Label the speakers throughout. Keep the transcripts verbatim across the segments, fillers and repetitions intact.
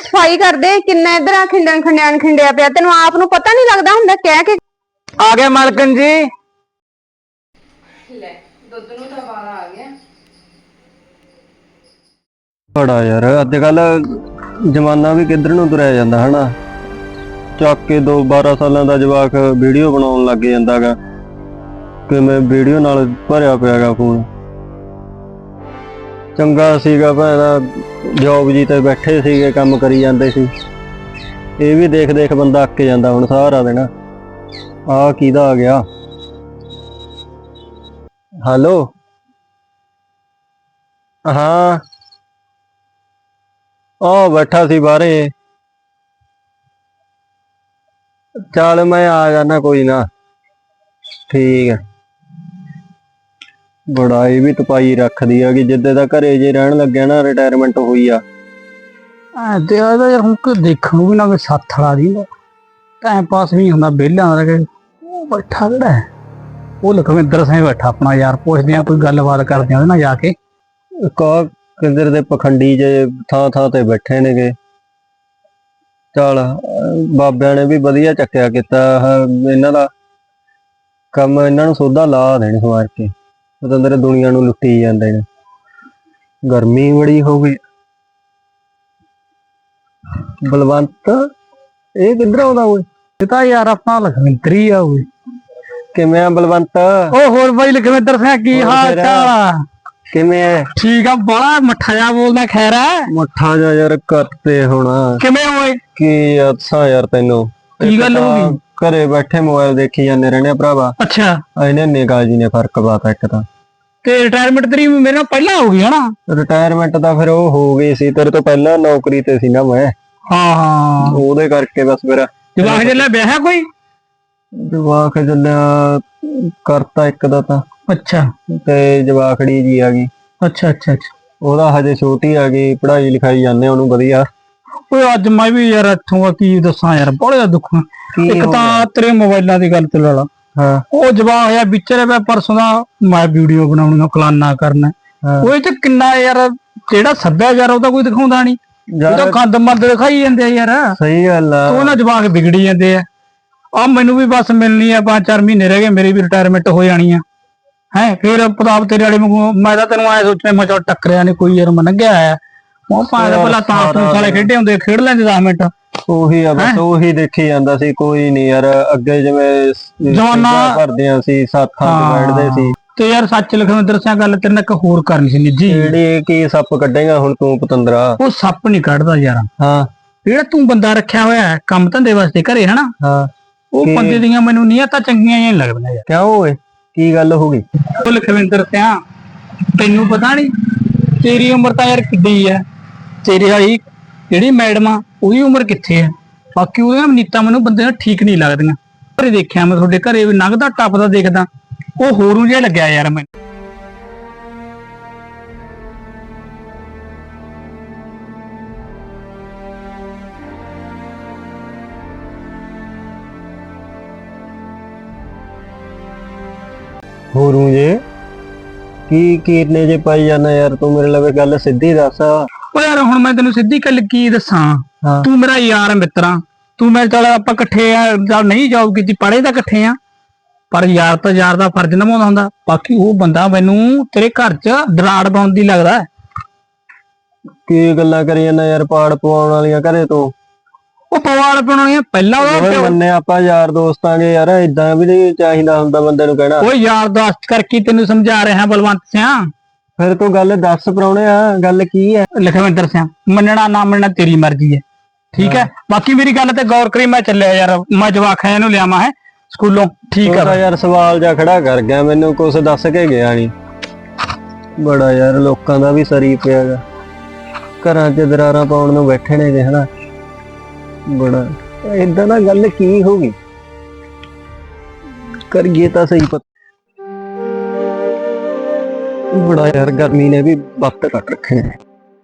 Speaker 1: सफाई कर दे किन्ना इधर आ खिंडन खंडियान खिंडिया पिया तेन आप नूं पता नहीं लगता हुंदा कह के
Speaker 2: आ गया मालकन जी
Speaker 3: ले दुध नूं तां वाला आ गया
Speaker 2: बड़ा यार अजकल जमाना भी किधर नूं तुरिया जांदा है ना ਚੱਕ ਕੇ ਦੋ बारह ਸਾਲਾਂ ਦਾ ਜਵਾਕ ਵੀਡੀਓ ਬਣਾਉਣ ਲੱਗ ਜਾਂਦਾਗਾ ਕਿ ਮੈਂ ਵੀਡੀਓ ਨਾਲ ਭਰਿਆ ਪਿਆਗਾ ਫੋਨ ਚੰਗਾ ਸੀਗਾ ਭੈਣਾ ਜੌਬ ਜੀ ਤੇ ਬੈਠੇ ਸੀਗੇ ਕੰਮ ਕਰੀ ਜਾਂਦੇ ਸੀ ਇਹ ਵੀ ਦੇਖ ਦੇਖ ਬੰਦਾ ਅੱਕ ਜਾਂਦਾ ਹੁਣ ਸਾਰਾ ਦਿਨ ਆ ਕਿਹਦਾ ਆ ਗਿਆ ਹੈਲੋ ਹਾਂ ਉਹ ਬੈਠਾ ਸੀ ਬਾਹਰੇ चल मैं आ जाना कोई ना ठीक है बड़ा ये भी तपाई रख दी है कि जिद्दे दा घरे जे रहन लग्या ना रिटायरमेंट हुई आ
Speaker 4: ते यार हम को देखण भी ना कोई साथ वाला दी टाइम पास नहीं हुंदा बेला रह वो बैठा केड़ा है वो लखविंदर सिंह बैठा अपना यार पुछदे आ कोई गलबात करदे आ ना जाके
Speaker 2: का किधर दे पखंडी जे थां थां ते बैठे ने के चल बाबिਆਂ ने भी वधिया चक्या किता इन्हां दा काम इन्हां नूं सोधा ला देण सवार के पतंदर दुनिया नूं लुट्टी जांदे ने गर्मी बड़ी हो गई बलवंत ये किधर आउंदा ओए
Speaker 4: ये तां यार अपना लखविंदर ही आ ओए
Speaker 2: किवें आ बलवंत
Speaker 4: ओ होर भाई लखविंदर सिंह की हाल चाल
Speaker 2: किवें
Speaker 4: ठीक आ बड़ा मठा जा बोलदा खैर है
Speaker 2: मठा जा यार करते होना
Speaker 4: किवें ओए
Speaker 2: की अच्छा यार तेनों
Speaker 4: की गल हो गई
Speaker 2: घरे बैठे मोबाइल देखी जाने रहने भरावा
Speaker 4: अच्छा
Speaker 2: इन्हें निगाह जी ने फर्क पाता एक तां
Speaker 4: ते रिटायरमेंट तेरी मेरे नाल पहला हो गई है ना
Speaker 2: रिटायरमेंट दा फिर वो हो गई सी तेरे तो पहला नौकरी ते सी ना मैं
Speaker 4: हां हां
Speaker 2: ओदे करके बस फिर
Speaker 4: जवाक जल्ला ब्याह है कोई
Speaker 2: जवाक जल्ला करता एक दा तां
Speaker 4: अच्छा
Speaker 2: ते जवाकड़ी जी आ गई
Speaker 4: अच्छा अच्छा अच्छा
Speaker 2: ओदा हजे छोटी आ गई पढ़ाई लिखाई जाने ओनू वधिया
Speaker 4: ओए अज मैं भी यार इत्थों की दसां यार बड़ा दुख एक तां तेरे मोबाइलां दी गल ते ला ला
Speaker 2: हां ओ
Speaker 4: जवाक यार विच रहा परसों दा मैं वीडियो बनाउणा कलाना करना ओए ते किन्ना यार जेड़ा सभ्याचार ओदा कोई दिखाउंदा नहीं ओदा गंद मंद दिखाई जांदे यार
Speaker 2: सही गल आ
Speaker 4: ओना जवाक बिगड़ी जांदे आ आ मैनू भी बस मिलनी है पांच चार महीने रह गए मेरी भी रिटायरमेंट हो जानी है है फिर प्रताप तेरे वाले मैं तो तेन आए सोचने मैं चल टकरिया नहीं कोई यार मैं लंघिया आया भला साले खेडे होंगे खेड लेंदे दस मिनट
Speaker 2: ਉਹੀ ਆ ਬਸ ਉਹੀ ਦੇਖੀ ਜਾਂਦਾ ਸੀ ਕੋਈ ਨਹੀਂ ਯਾਰ ਅੱਗੇ ਜਿਵੇਂ
Speaker 4: ਜਵਾਨਾ
Speaker 2: ਕਰਦਿਆਂ ਸੀ ਸਾਥਾਂ ਤੇ ਬੈਠਦੇ ਸੀ
Speaker 4: ਤੇ ਯਾਰ ਸੱਚ ਲਖਵਿੰਦਰ ਸਿੰਘ ਗੱਲ ਤੇਰੇ ਨਾਲ ਇੱਕ ਹੋਰ ਕਰਨੀ ਸੀ ਨਿੱਜੀ
Speaker 2: ਜਿਹੜੀ ਕੀ ਸੱਪ ਕੱਢੇਗਾ ਹੁਣ ਤੂੰ ਪਤੰਦਰਾ
Speaker 4: ਉਹ ਸੱਪ ਨਹੀਂ ਕੱਢਦਾ ਯਾਰ
Speaker 2: ਹਾਂ
Speaker 4: ਜਿਹੜਾ ਤੂੰ ਬੰਦਾ ਰੱਖਿਆ ਹੋਇਆ ਹੈ ਕੰਮ ਧੰਦੇ ਵਾਸਤੇ ਘਰੇ ਹਨਾ
Speaker 2: ਹਾਂ
Speaker 4: ਉਹ ਬੰਦੇ ਦੀਆਂ ਮੈਨੂੰ ਨੀਅਤਾਂ ਚੰਗੀਆਂ ਹੀ ਲੱਗਦੀਆਂ ਯਾਰ
Speaker 2: ਕਿਉਂ ਓਏ ਕੀ ਗੱਲ ਹੋ ਗਈ
Speaker 4: ਉਹ ਲਖਵਿੰਦਰ ਸਿੰਘ ਤੈਨੂੰ ਪਤਾ ਨਹੀਂ ਤੇਰੀ ਉਮਰ ਤਾਂ ਯਾਰ ਕਿੱਡੀ ਹੈ ਤੇਰੀ ਵਾਲੀ ਜਿਹੜੀ ਮੈਡਮ ਆ ਉਹਦੀ ਉਮਰ ਕਿੱਥੇ ਹੈ ਬਾਕੀ ਉਹਦੀਆਂ ਨੀਤਾਂ ਮੈਨੂੰ ਬੰਦੇ ਨਾਲ ਠੀਕ ਨਹੀਂ ਲੱਗਦੀਆਂ ਘਰੇ ਦੇਖਿਆ ਮੈਂ ਤੁਹਾਡੇ ਘਰੇ ਵੀ ਲੰਘਦਾ ਟੱਪਦਾ ਦੇਖਦਾ ਉਹ ਹੋਰੂ ਜਿਹਾ ਲੱਗਿਆ ਯਾਰ ਮੈਨੂੰ
Speaker 2: ਹੋਰੂ ਜੇ ਕੀ ਕੀਰਨੇ ਜੇ ਪਾਈ ਜਾਣਾ ਯਾਰ ਤੂੰ ਮੇਰੇ ਲਵੇ ਗੱਲ ਸਿੱਧੀ ਦੱਸ
Speaker 4: ਓ ਯਾਰ ਹੁਣ ਮੈਂ ਤੈਨੂੰ ਸਿੱਧੀ ਗੱਲ ਕੀ ਦੱਸਾਂ ਤੂੰ ਮੇਰਾ ਯਾਰ ਮਿੱਤਰਾ ਤੂੰ ਮੇਰੇ ਚੱਲ ਆਪਾਂ ਇਕੱਠੇ ਆ ਚੱਲ ਨਹੀਂ ਜੌਬ ਕੀਤੀ ਪੜ੍ਹੇ ਤਾਂ ਇਕੱਠੇ ਆ ਪਰ ਯਾਰ ਤਾਂ ਯਾਰ ਦਾ ਫਰਜ਼ ਨਿਭਾਉਂਦਾ ਹੁੰਦਾ ਬਾਕੀ ਉਹ ਬੰਦਾ ਮੈਨੂੰ ਤੇਰੇ ਘਰ 'ਚ ਦਰਾੜ ਪਾਉਣ ਦੀ ਲੱਗਦਾ
Speaker 2: ਕੀ ਗੱਲਾਂ ਕਰੀ ਜਾਂਦਾ ਯਾਰ ਪਾੜ ਪਵਾਉਣ ਵਾਲੀਆਂ ਘਰੇ ਤੋਂ
Speaker 4: ਉਹ ਪਵਾੜ ਪਾਉਣ ਵਾਲੀਆਂ ਪਹਿਲਾਂ ਉਹ
Speaker 2: ਮੰਨੇ ਆਪਾਂ ਯਾਰ ਦੋਸਤਾਂਗੇ ਯਾਰ ਇਦਾਂ ਵੀ ਨਹੀਂ ਚਾਹੀਦਾ ਹੁੰਦਾ ਬੰਦੇ ਨੂੰ ਕਹਿਣਾ
Speaker 4: ਉਹ ਯਾਰ ਦੋਸਤ ਕਰਕੇ ਤੈਨੂੰ ਸਮਝਾ ਰਿਹਾ ਬਲਵੰਤ ਸਿੰਘ
Speaker 2: ਫਿਰ ਤੂੰ ਗੱਲ ਦੱਸ ਪਰਾਉਣੇ ਆ ਗੱਲ ਕੀ ਹੈ
Speaker 4: ਲਖਵਿੰਦਰ ਸਿੰਘ ਮੰਨਣਾ ਨਾ ਮੰਨਣਾ ਤੇਰੀ ਮਰਜ਼ੀ ਹੈ ਠੀਕ ਹੈ ਬਾਕੀ ਮੇਰੀ ਗੱਲ ਤੇ ਗੌਰ ਕਰੀ ਮੈਂ ਚੱਲਿਆ ਯਾਰ ਮੈਂ ਜਵਾਕ ਹੈ ਇਹਨੂੰ ਲਿਆਵਾਂ ਹੈ ਸਕੂਲੋਂ ਠੀਕ ਆ
Speaker 2: ਯਾਰ ਸਵਾਲ ਜਾ ਖੜਾ ਕਰ ਗਿਆ ਮੈਨੂੰ ਕੁਝ ਦੱਸ ਕੇ ਗਿਆ ਨਹੀਂ ਬੜਾ ਯਾਰ ਲੋਕਾਂ ਦਾ ਵੀ ਸਰੀ ਪਿਆਗਾ ਘਰਾਂ 'ਚ ਦਰਾਰਾਂ ਪਾਉਣ ਨੂੰ ਬੈਠੇ ਨੇ ਜੇ ਹਨਾ ਬੜਾ ਇਦਾਂ ਦਾ ਗੱਲ ਕੀ ਹੋ ਗਈ ਕਰੀਏ ਤਾਂ ਸਹੀ ਪਤਾ बड़ा यार गर्मी ने भी वक्त कट रखे हैं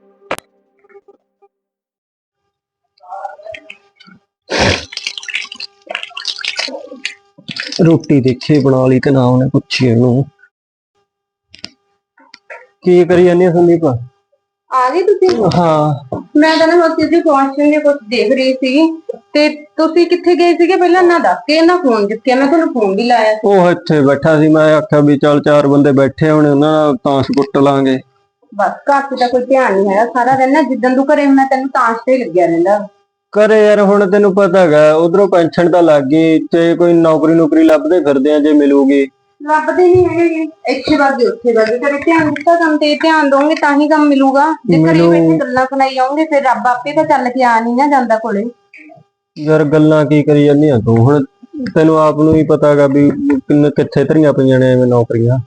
Speaker 2: रोटी देखी बना ली ते ना उन्हें पूछी इनू की करी जानी संदीप
Speaker 1: ਆ ਗਏ ਤੁਸੀਂ?
Speaker 2: ਹਾਂ
Speaker 1: ਮੈਂ ਤਾਂ ਨਾ ਹੋਤੀ ਜੀ ਫੰਕਸ਼ਨ ਦੇ ਕੁਝ ਦੇਖ ਰਹੀ ਸੀ ਤੇ ਤੁਸੀਂ ਕਿੱਥੇ ਗਏ ਸੀਗੇ ਪਹਿਲਾਂ ਨਾ ਦੱਸ ਕੇ ਨਾ ਫੋਨ ਚੁੱਕਿਆ, ਮੈਂ ਤੁਹਾਨੂੰ ਫੋਨ ਵੀ ਲਾਇਆ ਸੀ।
Speaker 2: ਉਹ ਇੱਥੇ ਬੈਠਾ ਸੀ, ਮੈਂ ਆਖਿਆ ਵੀ ਚੱਲ ਚਾਰ ਬੰਦੇ ਬੈਠੇ ਹੋਣੇ ਉਹਨਾਂ ਨਾਲ ਤਾਂਸ਼ ਕੁੱਟ ਲਾਂਗੇ।
Speaker 1: ਬਸ ਘਰ 'ਚ ਤਾਂ ਕੋਈ ਧਿਆਨ ਨਹੀਂ ਹੈਗਾ, ਸਾਰਾ ਦਿਨ ਨਾ ਜਿੱਦਣ ਤੂੰ ਘਰੇ ਹੁੰਦਾ ਤੈਨੂੰ ਤਾਂਸ਼ ਤੇ ਹੀ ਲੱਗਿਆ ਰਹਿੰਦਾ।
Speaker 2: ਘਰੇ ਯਾਰ ਹੁਣ ਤੈਨੂੰ ਪਤਾ ਹੈਗਾ ਉਧਰੋਂ ਪੈਨਸ਼ਨ ਤਾਂ ਲੱਗ ਗਈ ਤੇ ਕੋਈ ਨੌਕਰੀ ਨੌਕਰੀ ਲੱਭਦੇ ਫਿਰਦੇ ਆ, ਜੇ ਮਿਲੂਗੀ।
Speaker 1: ਲੱਭਦੇ ਨਹੀਂ ਹੈਗੇ, ਇੱਥੇ ਵੱਧਦੇ ਉੱਥੇ ਵੱਧਦੇ, ਕਦੇ ਧਿਆਨ ਦਿੱਤਾ ਕੰਮ ਤੇ ਧਿਆਨ ਦੋਗੇ ਤਾਂ ਹੀ ਕੰਮ ਮਿਲੂਗਾ। ਜੇ ਘਰੇ
Speaker 2: ਮਿਲੂ-
Speaker 1: ਬੈਠੇ ਗੱਲਾਂ ਸੁਣਾਈ ਜਾਓਗੇ ਫਿਰ ਰੱਬ ਆਪੇ ਤਾਂ ਚੱਲ ਕੇ ਆ ਨਹੀਂ ਨਾ ਜਾਂਦਾ ਕੋਲੇ।
Speaker 2: ਯਾਰ ਗੱਲਾਂ ਕੀ ਕਰੀ ਜਾਂਦੀਆਂ ਤੂੰ, ਹੁਣ ਤੈਨੂੰ ਆਪ ਨੂੰ ਹੀ ਪਤਾ ਹੈਗਾ ਵੀ ਕਿੰਨੇ ਕਿੱਥੇ ਧਰੀਆਂ ਪਈਆਂ ਨੇ ਐਵੇਂ ਨੌਕਰੀਆਂ।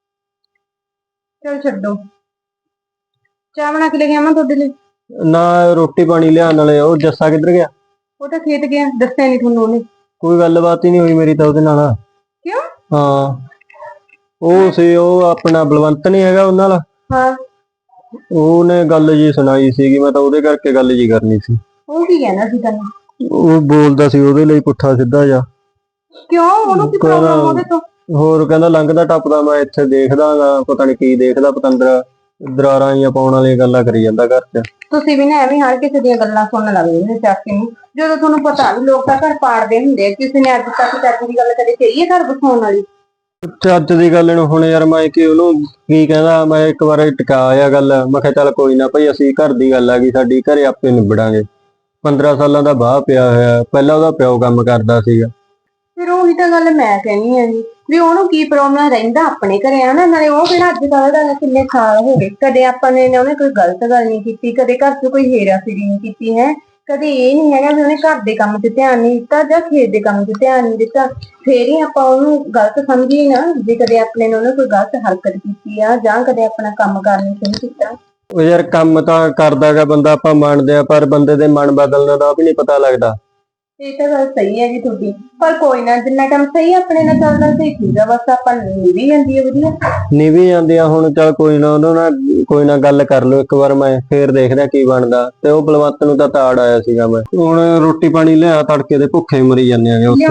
Speaker 1: ਚਲ ਛੱਡੋ, ਚਾਹ ਬਣਾ ਕੇ ਲੈ ਕੇ ਆਵਾਂ ਤੁਹਾਡੇ ਲਈ?
Speaker 2: ਨਾ ਰੋਟੀ ਪਾਣੀ ਲਿਆਉਣ ਵਾਲੇ। ਉਹ ਜੱਸਾ ਕਿੱਧਰ ਗਿਆ?
Speaker 1: ਉਹ ਤਾਂ ਖੇਤ ਗਿਆ, ਦੱਸਿਆ ਨਹੀਂ ਤੁਹਾਨੂੰ ਉਹਨੇ।
Speaker 2: ਕੋਈ ਗੱਲਬਾਤ ਹੀ ਨਹੀਂ ਹੋਈ ਮੇਰੀ ਤਾਂ ਉਹਦੇ ਨਾਲ।
Speaker 1: ਕਿਉਂ?
Speaker 2: ਹਾਂ ਉਹ ਸੀ, ਉਹ ਆਪਣਾ ਬਲਵੰਤ ਨਹੀਂ ਹੈਗਾ ਉਹਨਾਂ ਨਾਲ,
Speaker 1: ਹਾਂ
Speaker 2: ਉਹਨੇ ਗੱਲ ਜੀ ਸੁਣਾਈ ਸੀਗੀ, ਮੈਂ ਤਾਂ ਉਹਦੇ ਕਰਕੇ ਗੱਲ ਜੀ ਕਰਨੀ ਸੀ।
Speaker 1: ਉਹ ਕੀ ਕਹਿੰਦਾ ਸੀ ਤੈਨੂੰ?
Speaker 2: ਉਹ ਬੋਲਦਾ ਸੀ ਉਹਦੇ ਲਈ ਪੁੱਠਾ ਸਿੱਧਾ ਜਾ।
Speaker 1: ਕਿਉਂ, ਉਹਨੂੰ ਕੀ ਪ੍ਰੋਬਲਮ ਉਹਦੇ ਤੋਂ?
Speaker 2: ਹੋਰ ਕਹਿੰਦਾ ਲੰਘਦਾ ਟੱਪਦਾ ਮੈਂ ਇੱਥੇ ਦੇਖਦਾ ਗਾ, ਪਤਾ ਨੀ ਕੀ ਦੇਖਦਾ, ਪਤੰਦਰ ਦਰਾਰਾਂ ਜਾਂ ਪਾਉਣ ਵਾਲੀਆਂ ਗੱਲਾਂ ਕਰੀ ਜਾਂਦਾ ਘਰ 'ਚ।
Speaker 1: ਤੁਸੀਂ ਵੀ ਨਾ ਐਵੇਂ ਹਰ ਕਿਸੇ ਦੀਆਂ ਗੱਲਾਂ ਸੁਣਨ ਲੱਗ ਜਾਂਦੇ ਨੇ ਚੱਕ ਕੇ ਨੂੰ, ਜਦੋਂ ਤੁਹਾਨੂੰ ਪਤਾ ਵੀ ਲੋਕ ਤਾਂ ਘਰ ਪਾੜਦੇ ਹੁੰਦੇ ਆ। ਕਿਸੇ ਨੇ ਅੱਜ ਤੱਕ ਚੱਜ ਦੀ ਗੱਲ ਕਦੇ ਕਹੀ ਹੈ ਘਰ ਬਸਾਉਣ ਵਾਲੀ?
Speaker 2: ਚੱਜ ਦੀ ਗੱਲ ਨੂੰ ਹੁਣ ਯਾਰ ਮੈਂ ਕਿ ਉਹਨੂੰ ਕੀ ਕਹਿੰਦਾ, ਮੈਂ ਇੱਕ ਵਾਰ ਟਿਕਾ ਆ ਗੱਲ, ਮੈਂ ਕਿਹਾ ਚੱਲ ਕੋਈ ਨਾ ਭਾਈ ਅਸੀਂ ਘਰ ਦੀ ਗੱਲ ਆ ਗਈ ਸਾਡੀ, ਘਰੇ ਆਪੇ ਨਿਬੜਾਂਗੇ। ਪੰਦਰਾਂ ਸਾਲਾਂ ਦਾ ਬਾਹ ਪਿਆ ਹੋਇਆ, ਪਹਿਲਾਂ ਉਹਦਾ ਪਿਓ ਕੰਮ ਕਰਦਾ ਸੀਗਾ।
Speaker 1: ਫਿਰ ਉਹੀ ਤਾਂ ਗੱਲ ਮੈਂ ਕਹਿਣੀ ਆ ਜੀ, ਵੀ ਉਹਨੂੰ ਕੀ ਪ੍ਰੋਬਲਮ ਰਹਿੰਦਾ ਆਪਣੇ ਘਰੇ ਆ ਨਾ। ਨਾਲੇ ਉਹ ਕਿਹੜਾ ਅੱਜ ਕੱਲ੍ਹ ਦਾ, ਕਿੰਨੇ ਸਾਲ ਹੋ ਗਏ, ਕਦੇ ਆਪਾਂ ਨੇ ਉਹਨੇ ਕੋਈ ਗਲਤ ਗੱਲ ਨਹੀਂ ਕੀਤੀ, ਕਦੇ ਘਰ 'ਚ ਕੋਈ ਹੇਰਾ ਫੇਰੀ ਨਹੀਂ ਕੀਤੀ ਹੈ। ਕਦੇ ਇਹ ਨਹੀਂ ਹੈਗਾ ਵੀ ਉਹਨੇ ਘਰ ਦੇ ਕੰਮ 'ਚ ਧਿਆਨ ਨਹੀਂ ਦਿੱਤਾ ਜਾਂ ਖੇਤ ਦੇ ਕੰਮ 'ਚ ਧਿਆਨ ਨਹੀਂ ਦਿੱਤਾ। ਫੇਰ ਹੀ ਆਪਾਂ ਉਹਨੂੰ ਗਲਤ ਸਮਝੀਏ ਨਾ, ਜੇ ਕਦੇ ਆਪਣੇ ਨੇ ਉਹਨੇ ਕੋਈ ਗਲਤ ਹਰਕਤ ਕੀਤੀ ਆ ਜਾਂ ਕਦੇ ਆਪਣਾ ਕੰਮ ਕਰਨੀ ਸ਼ੁਰੂ ਕੀਤਾ।
Speaker 2: ਉਹ ਯਾਰ ਕੰਮ ਤਾਂ ਕਰਦਾਗਾ ਬੰਦਾ, ਆਪਾਂ ਮੰਨਦੇ ਆ, ਪਰ ਬੰਦੇ ਦੇ ਮਨ ਬਦਲਣ ਦਾ ਵੀ ਨਹੀਂ ਪਤਾ ਲੱਗਦਾ।
Speaker 1: ਇਹ ਤਾਂ ਗੱਲ ਸਹੀ ਹੈ ਜੀ ਤੁਹਾਡੀ, ਪਰ ਕੋਈ ਨਾ, ਜਿੰਨਾ ਟਾਈਮ ਸਹੀ ਆਪਣੇ ਨਾਲ ਚੱਲਦਾ ਸਹੀ ਠੀਕ ਆ, ਬਸ ਆਪਾਂ ਨੂੰ ਵੀ ਜਾਂਦੀ ਹੈ ਵਧੀਆ।
Speaker 2: ਨਿਭੀ ਜਾਂਦੀ ਆ ਹੁਣ, ਚੱਲ ਕੋਈ ਨਾ ਉਹਨਾਂ ਨਾਲ ਕੋਈ ਨਾ ਗੱਲ ਕਰ ਲਓ ਇੱਕ ਵਾਰ, ਮੈਂ ਫੇਰ ਦੇਖਦਾ ਕੀ ਬਣਦਾ। ਤੇ ਉਹ ਬਲਵੰਤ ਨੂੰ ਤਾਂ ਤਾੜ ਆਇਆ ਸੀਗਾ, ਮੈਂ ਹੁਣ ਰੋਟੀ ਪਾਣੀ ਲਿਆ, ਤੜਕੇ ਦੇ ਭੁੱਖੇ ਮਰੀ ਜਾਂਦੇ ਆਗੇ ਉੱਥੇ।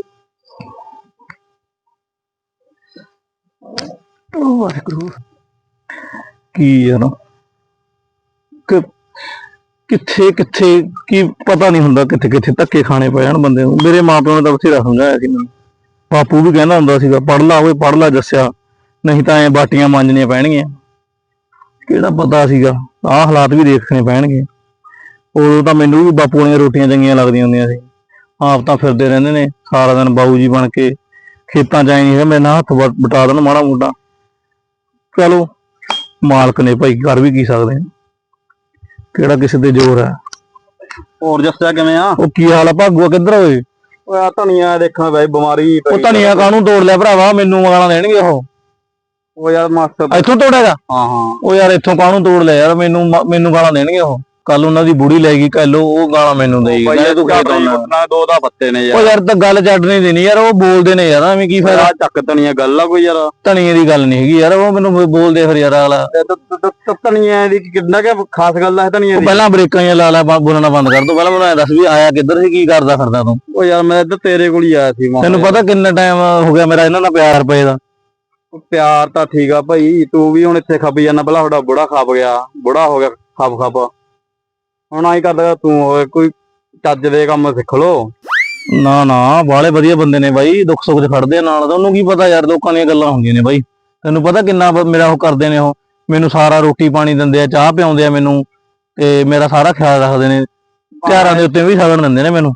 Speaker 4: ਵਾਹਿਗੁਰੂ ਕੀ ਯਾਰ, ਕਿ ਕਿੱਥੇ ਕਿੱਥੇ ਕੀ ਪਤਾ ਨਹੀਂ ਹੁੰਦਾ, ਕਿੱਥੇ ਕਿੱਥੇ ਧੱਕੇ ਖਾਣੇ ਪੈ ਜਾਣ ਬੰਦੇ ਨੂੰ। ਮੇਰੇ ਮਾਂ ਪਿਓ ਨੇ ਤਾਂ ਬਥੇਰਾ ਸਮਝਾਇਆ ਸੀ ਮੈਨੂੰ, ਬਾਪੂ ਵੀ ਕਹਿੰਦਾ ਹੁੰਦਾ ਸੀਗਾ ਪੜ੍ਹ ਲਾ ਓਏ ਪੜ੍ਹ ਲਾ ਜੱਸਿਆ, ਨਹੀਂ ਤਾਂ ਐ ਬਾਟੀਆਂ ਮਾਂਜਣੀਆਂ ਪੈਣਗੀਆਂ। ਕਿਹੜਾ ਪਤਾ ਸੀਗਾ ਆਹ ਹਾਲਾਤ ਵੀ ਦੇਖਣੇ ਪੈਣਗੇ। ਉਦੋਂ ਤਾਂ ਮੈਨੂੰ ਵੀ ਬਾਪੂ ਦੀਆਂ ਰੋਟੀਆਂ ਚੰਗੀਆਂ ਲੱਗਦੀਆਂ ਹੁੰਦੀਆਂ ਸੀ। ਆਪ ਤਾਂ ਫਿਰਦੇ ਰਹਿੰਦੇ ਨੇ ਸਾਰਾ ਦਿਨ ਬਾਊ ਜੀ ਬਣ ਕੇ, ਖੇਤਾਂ 'ਚ ਆਏ ਨਹੀਂ ਮੇਰੇ ਨਾਲ ਹੱਥ ਬਟਾ ਦੇਣ ਮਾੜਾ ਮੋਟਾ। ਚਲੋ ਮਾਲਕ ਨੇ ਭਾਈ, ਕਰ ਵੀ ਕੀ ਸਕਦੇ ਆ, ਕਿਹੜਾ ਕਿਸੇ ਤੇ ਜ਼ੋਰ ਹੈ।
Speaker 2: ਹੋਰ ਜੱਸਿਆ ਕਿਵੇਂ ਆ?
Speaker 4: ਉਹ ਕੀ ਹਾਲ ਆ ਭਾਗੂਆ, ਕਿੱਧਰ ਹੋਏ?
Speaker 2: ਓਏ ਆ ਧਨੀਆ ਦੇਖਾਂ ਬਾਈ, ਬਿਮਾਰੀ
Speaker 4: ਉਹ ਧਨੀਆ ਕਾਹਨੂੰ ਤੋੜ ਲਿਆ ਭਰਾਵਾ, ਮੈਨੂੰ ਗਾਲਾਂ ਦੇਣਗੇ ਉਹ।
Speaker 2: ਉਹ ਯਾਰ ਮਾਸਟਰ
Speaker 4: ਇੱਥੋਂ ਤੋੜੇਗਾ?
Speaker 2: ਹਾਂ ਹਾਂ।
Speaker 4: ਉਹ ਯਾਰ ਇੱਥੋਂ ਕਾਹਨੂੰ ਤੋੜ ਲਿਆ ਯਾਰ, ਮੈਨੂੰ ਮੈਨੂੰ ਗਾਲਾਂ ਦੇਣਗੇ ਉਹ। ਕੱਲ ਉਹਨਾਂ ਦੀ ਬੁੜੀ ਲੈ ਗਈ ਕੱਲ, ਉਹ ਗਾਲਾਂ ਮੈਨੂੰ ਦੇਈ ਕਹਿੰਦੇ ਤੂੰ ਖੇਤ ਆਉਣਾ।
Speaker 2: ਦੋ ਦਾ ਪੱਤੇ ਨੇ
Speaker 4: ਉਹ ਯਾਰ ਤਾਂ ਗੱਲ ਛੱਡ ਨਹੀਂ ਦੇਣੀ ਯਾਰ, ਉਹ ਬੋਲਦੇ ਨੇ ਯਾਰ, ਐਵੇਂ ਕੀ ਫਾਇਦਾ।
Speaker 2: ਚੱਕ ਧਨੀਆ ਗੱਲ ਆ ਕੋਈ ਯਾਰ?
Speaker 4: ਧਨੀਏ ਦੀ ਗੱਲ ਨਹੀਂ ਹੈਗੀ ਯਾਰ, ਉਹ ਮੈਨੂੰ ਬੋਲਦੇ ਫਿਰ ਯਾਰ ਅਗਲਾ।
Speaker 2: ਧਨੀਆ ਦੀ ਕਿੰਨਾ ਕਿ ਖਾਸ ਗੱਲ ਆ ਧਨੀਆ ਦੀ?
Speaker 4: ਪਹਿਲਾਂ ਬ੍ਰੇਕਾਂ ਜਿਹਾ ਲਾ ਲਾ, ਬੋਲਣਾ ਬੰਦ ਕਰ ਦੋ। ਪਹਿਲਾਂ ਮੈਨੂੰ ਐ ਦੱਸ ਵੀ ਆਇਆ ਕਿੱਧਰ ਸੀ, ਕੀ ਕਰਦਾ ਫਿਰਦਾ ਤੂੰ?
Speaker 2: ਉਹ ਯਾਰ ਮੈਂ ਇੱਧਰ ਤੇਰੇ ਕੋਲ ਹੀ ਆਇਆ ਸੀ।
Speaker 4: ਤੈਨੂੰ ਪਤਾ ਕਿੰਨਾ ਟਾਈਮ ਹੋ ਗਿਆ ਮੇਰਾ ਇਹਨਾਂ ਨਾਲ ਪਿਆਰ ਪਏ ਦਾ?
Speaker 2: ਪਿਆਰ ਤਾਂ ਠੀਕ ਆ ਭਾਈ, ਤੂੰ ਵੀ ਹੁਣ ਇੱਥੇ ਖੱਪ ਜਾਂਦਾ, ਪਹਿਲਾਂ ਤੁਹਾਡਾ ਬੁੜਾ ਖੱਪ ਗਿਆ, ਬੁੜਾ ਹੋ ਗਿਆ ਖੱਪ ਖੱਪ, ਹੁਣ ਆਈ ਕਰਦਾ ਤੂੰ ਹੋਏ। ਕੋਈ ਚੱਜ ਦੇ ਕੰਮ ਸਿੱਖ ਲੋ।
Speaker 4: ਨਾ ਨਾ, ਬਾਲੇ ਵਧੀਆ ਬੰਦੇ ਨੇ ਬਾਈ, ਦੁੱਖ ਸੁੱਖ 'ਚ ਖੜਦੇ ਆ ਨਾਲ। ਉਹਨੂੰ ਕੀ ਪਤਾ ਯਾਰ, ਲੋਕਾਂ ਦੀਆਂ ਗੱਲਾਂ ਹੁੰਦੀਆਂ ਨੇ ਬਾਈ। ਤੈਨੂੰ ਪਤਾ ਕਿੰਨਾ ਮੇਰਾ ਉਹ ਕਰਦੇ ਨੇ ਉਹ, ਮੈਨੂੰ ਸਾਰਾ ਰੋਟੀ ਪਾਣੀ ਦਿੰਦੇ ਆ, ਚਾਹ ਪਿਆਉਂਦੇ ਆ ਮੈਨੂੰ, ਤੇ ਮੇਰਾ ਸਾਰਾ ਖਿਆਲ ਰੱਖਦੇ ਨੇ। ਤਿਉਹਾਰਾਂ ਦੇ ਉੱਤੇ ਵੀ ਸ਼ਗਨ ਦਿੰਦੇ ਨੇ ਮੈਨੂੰ।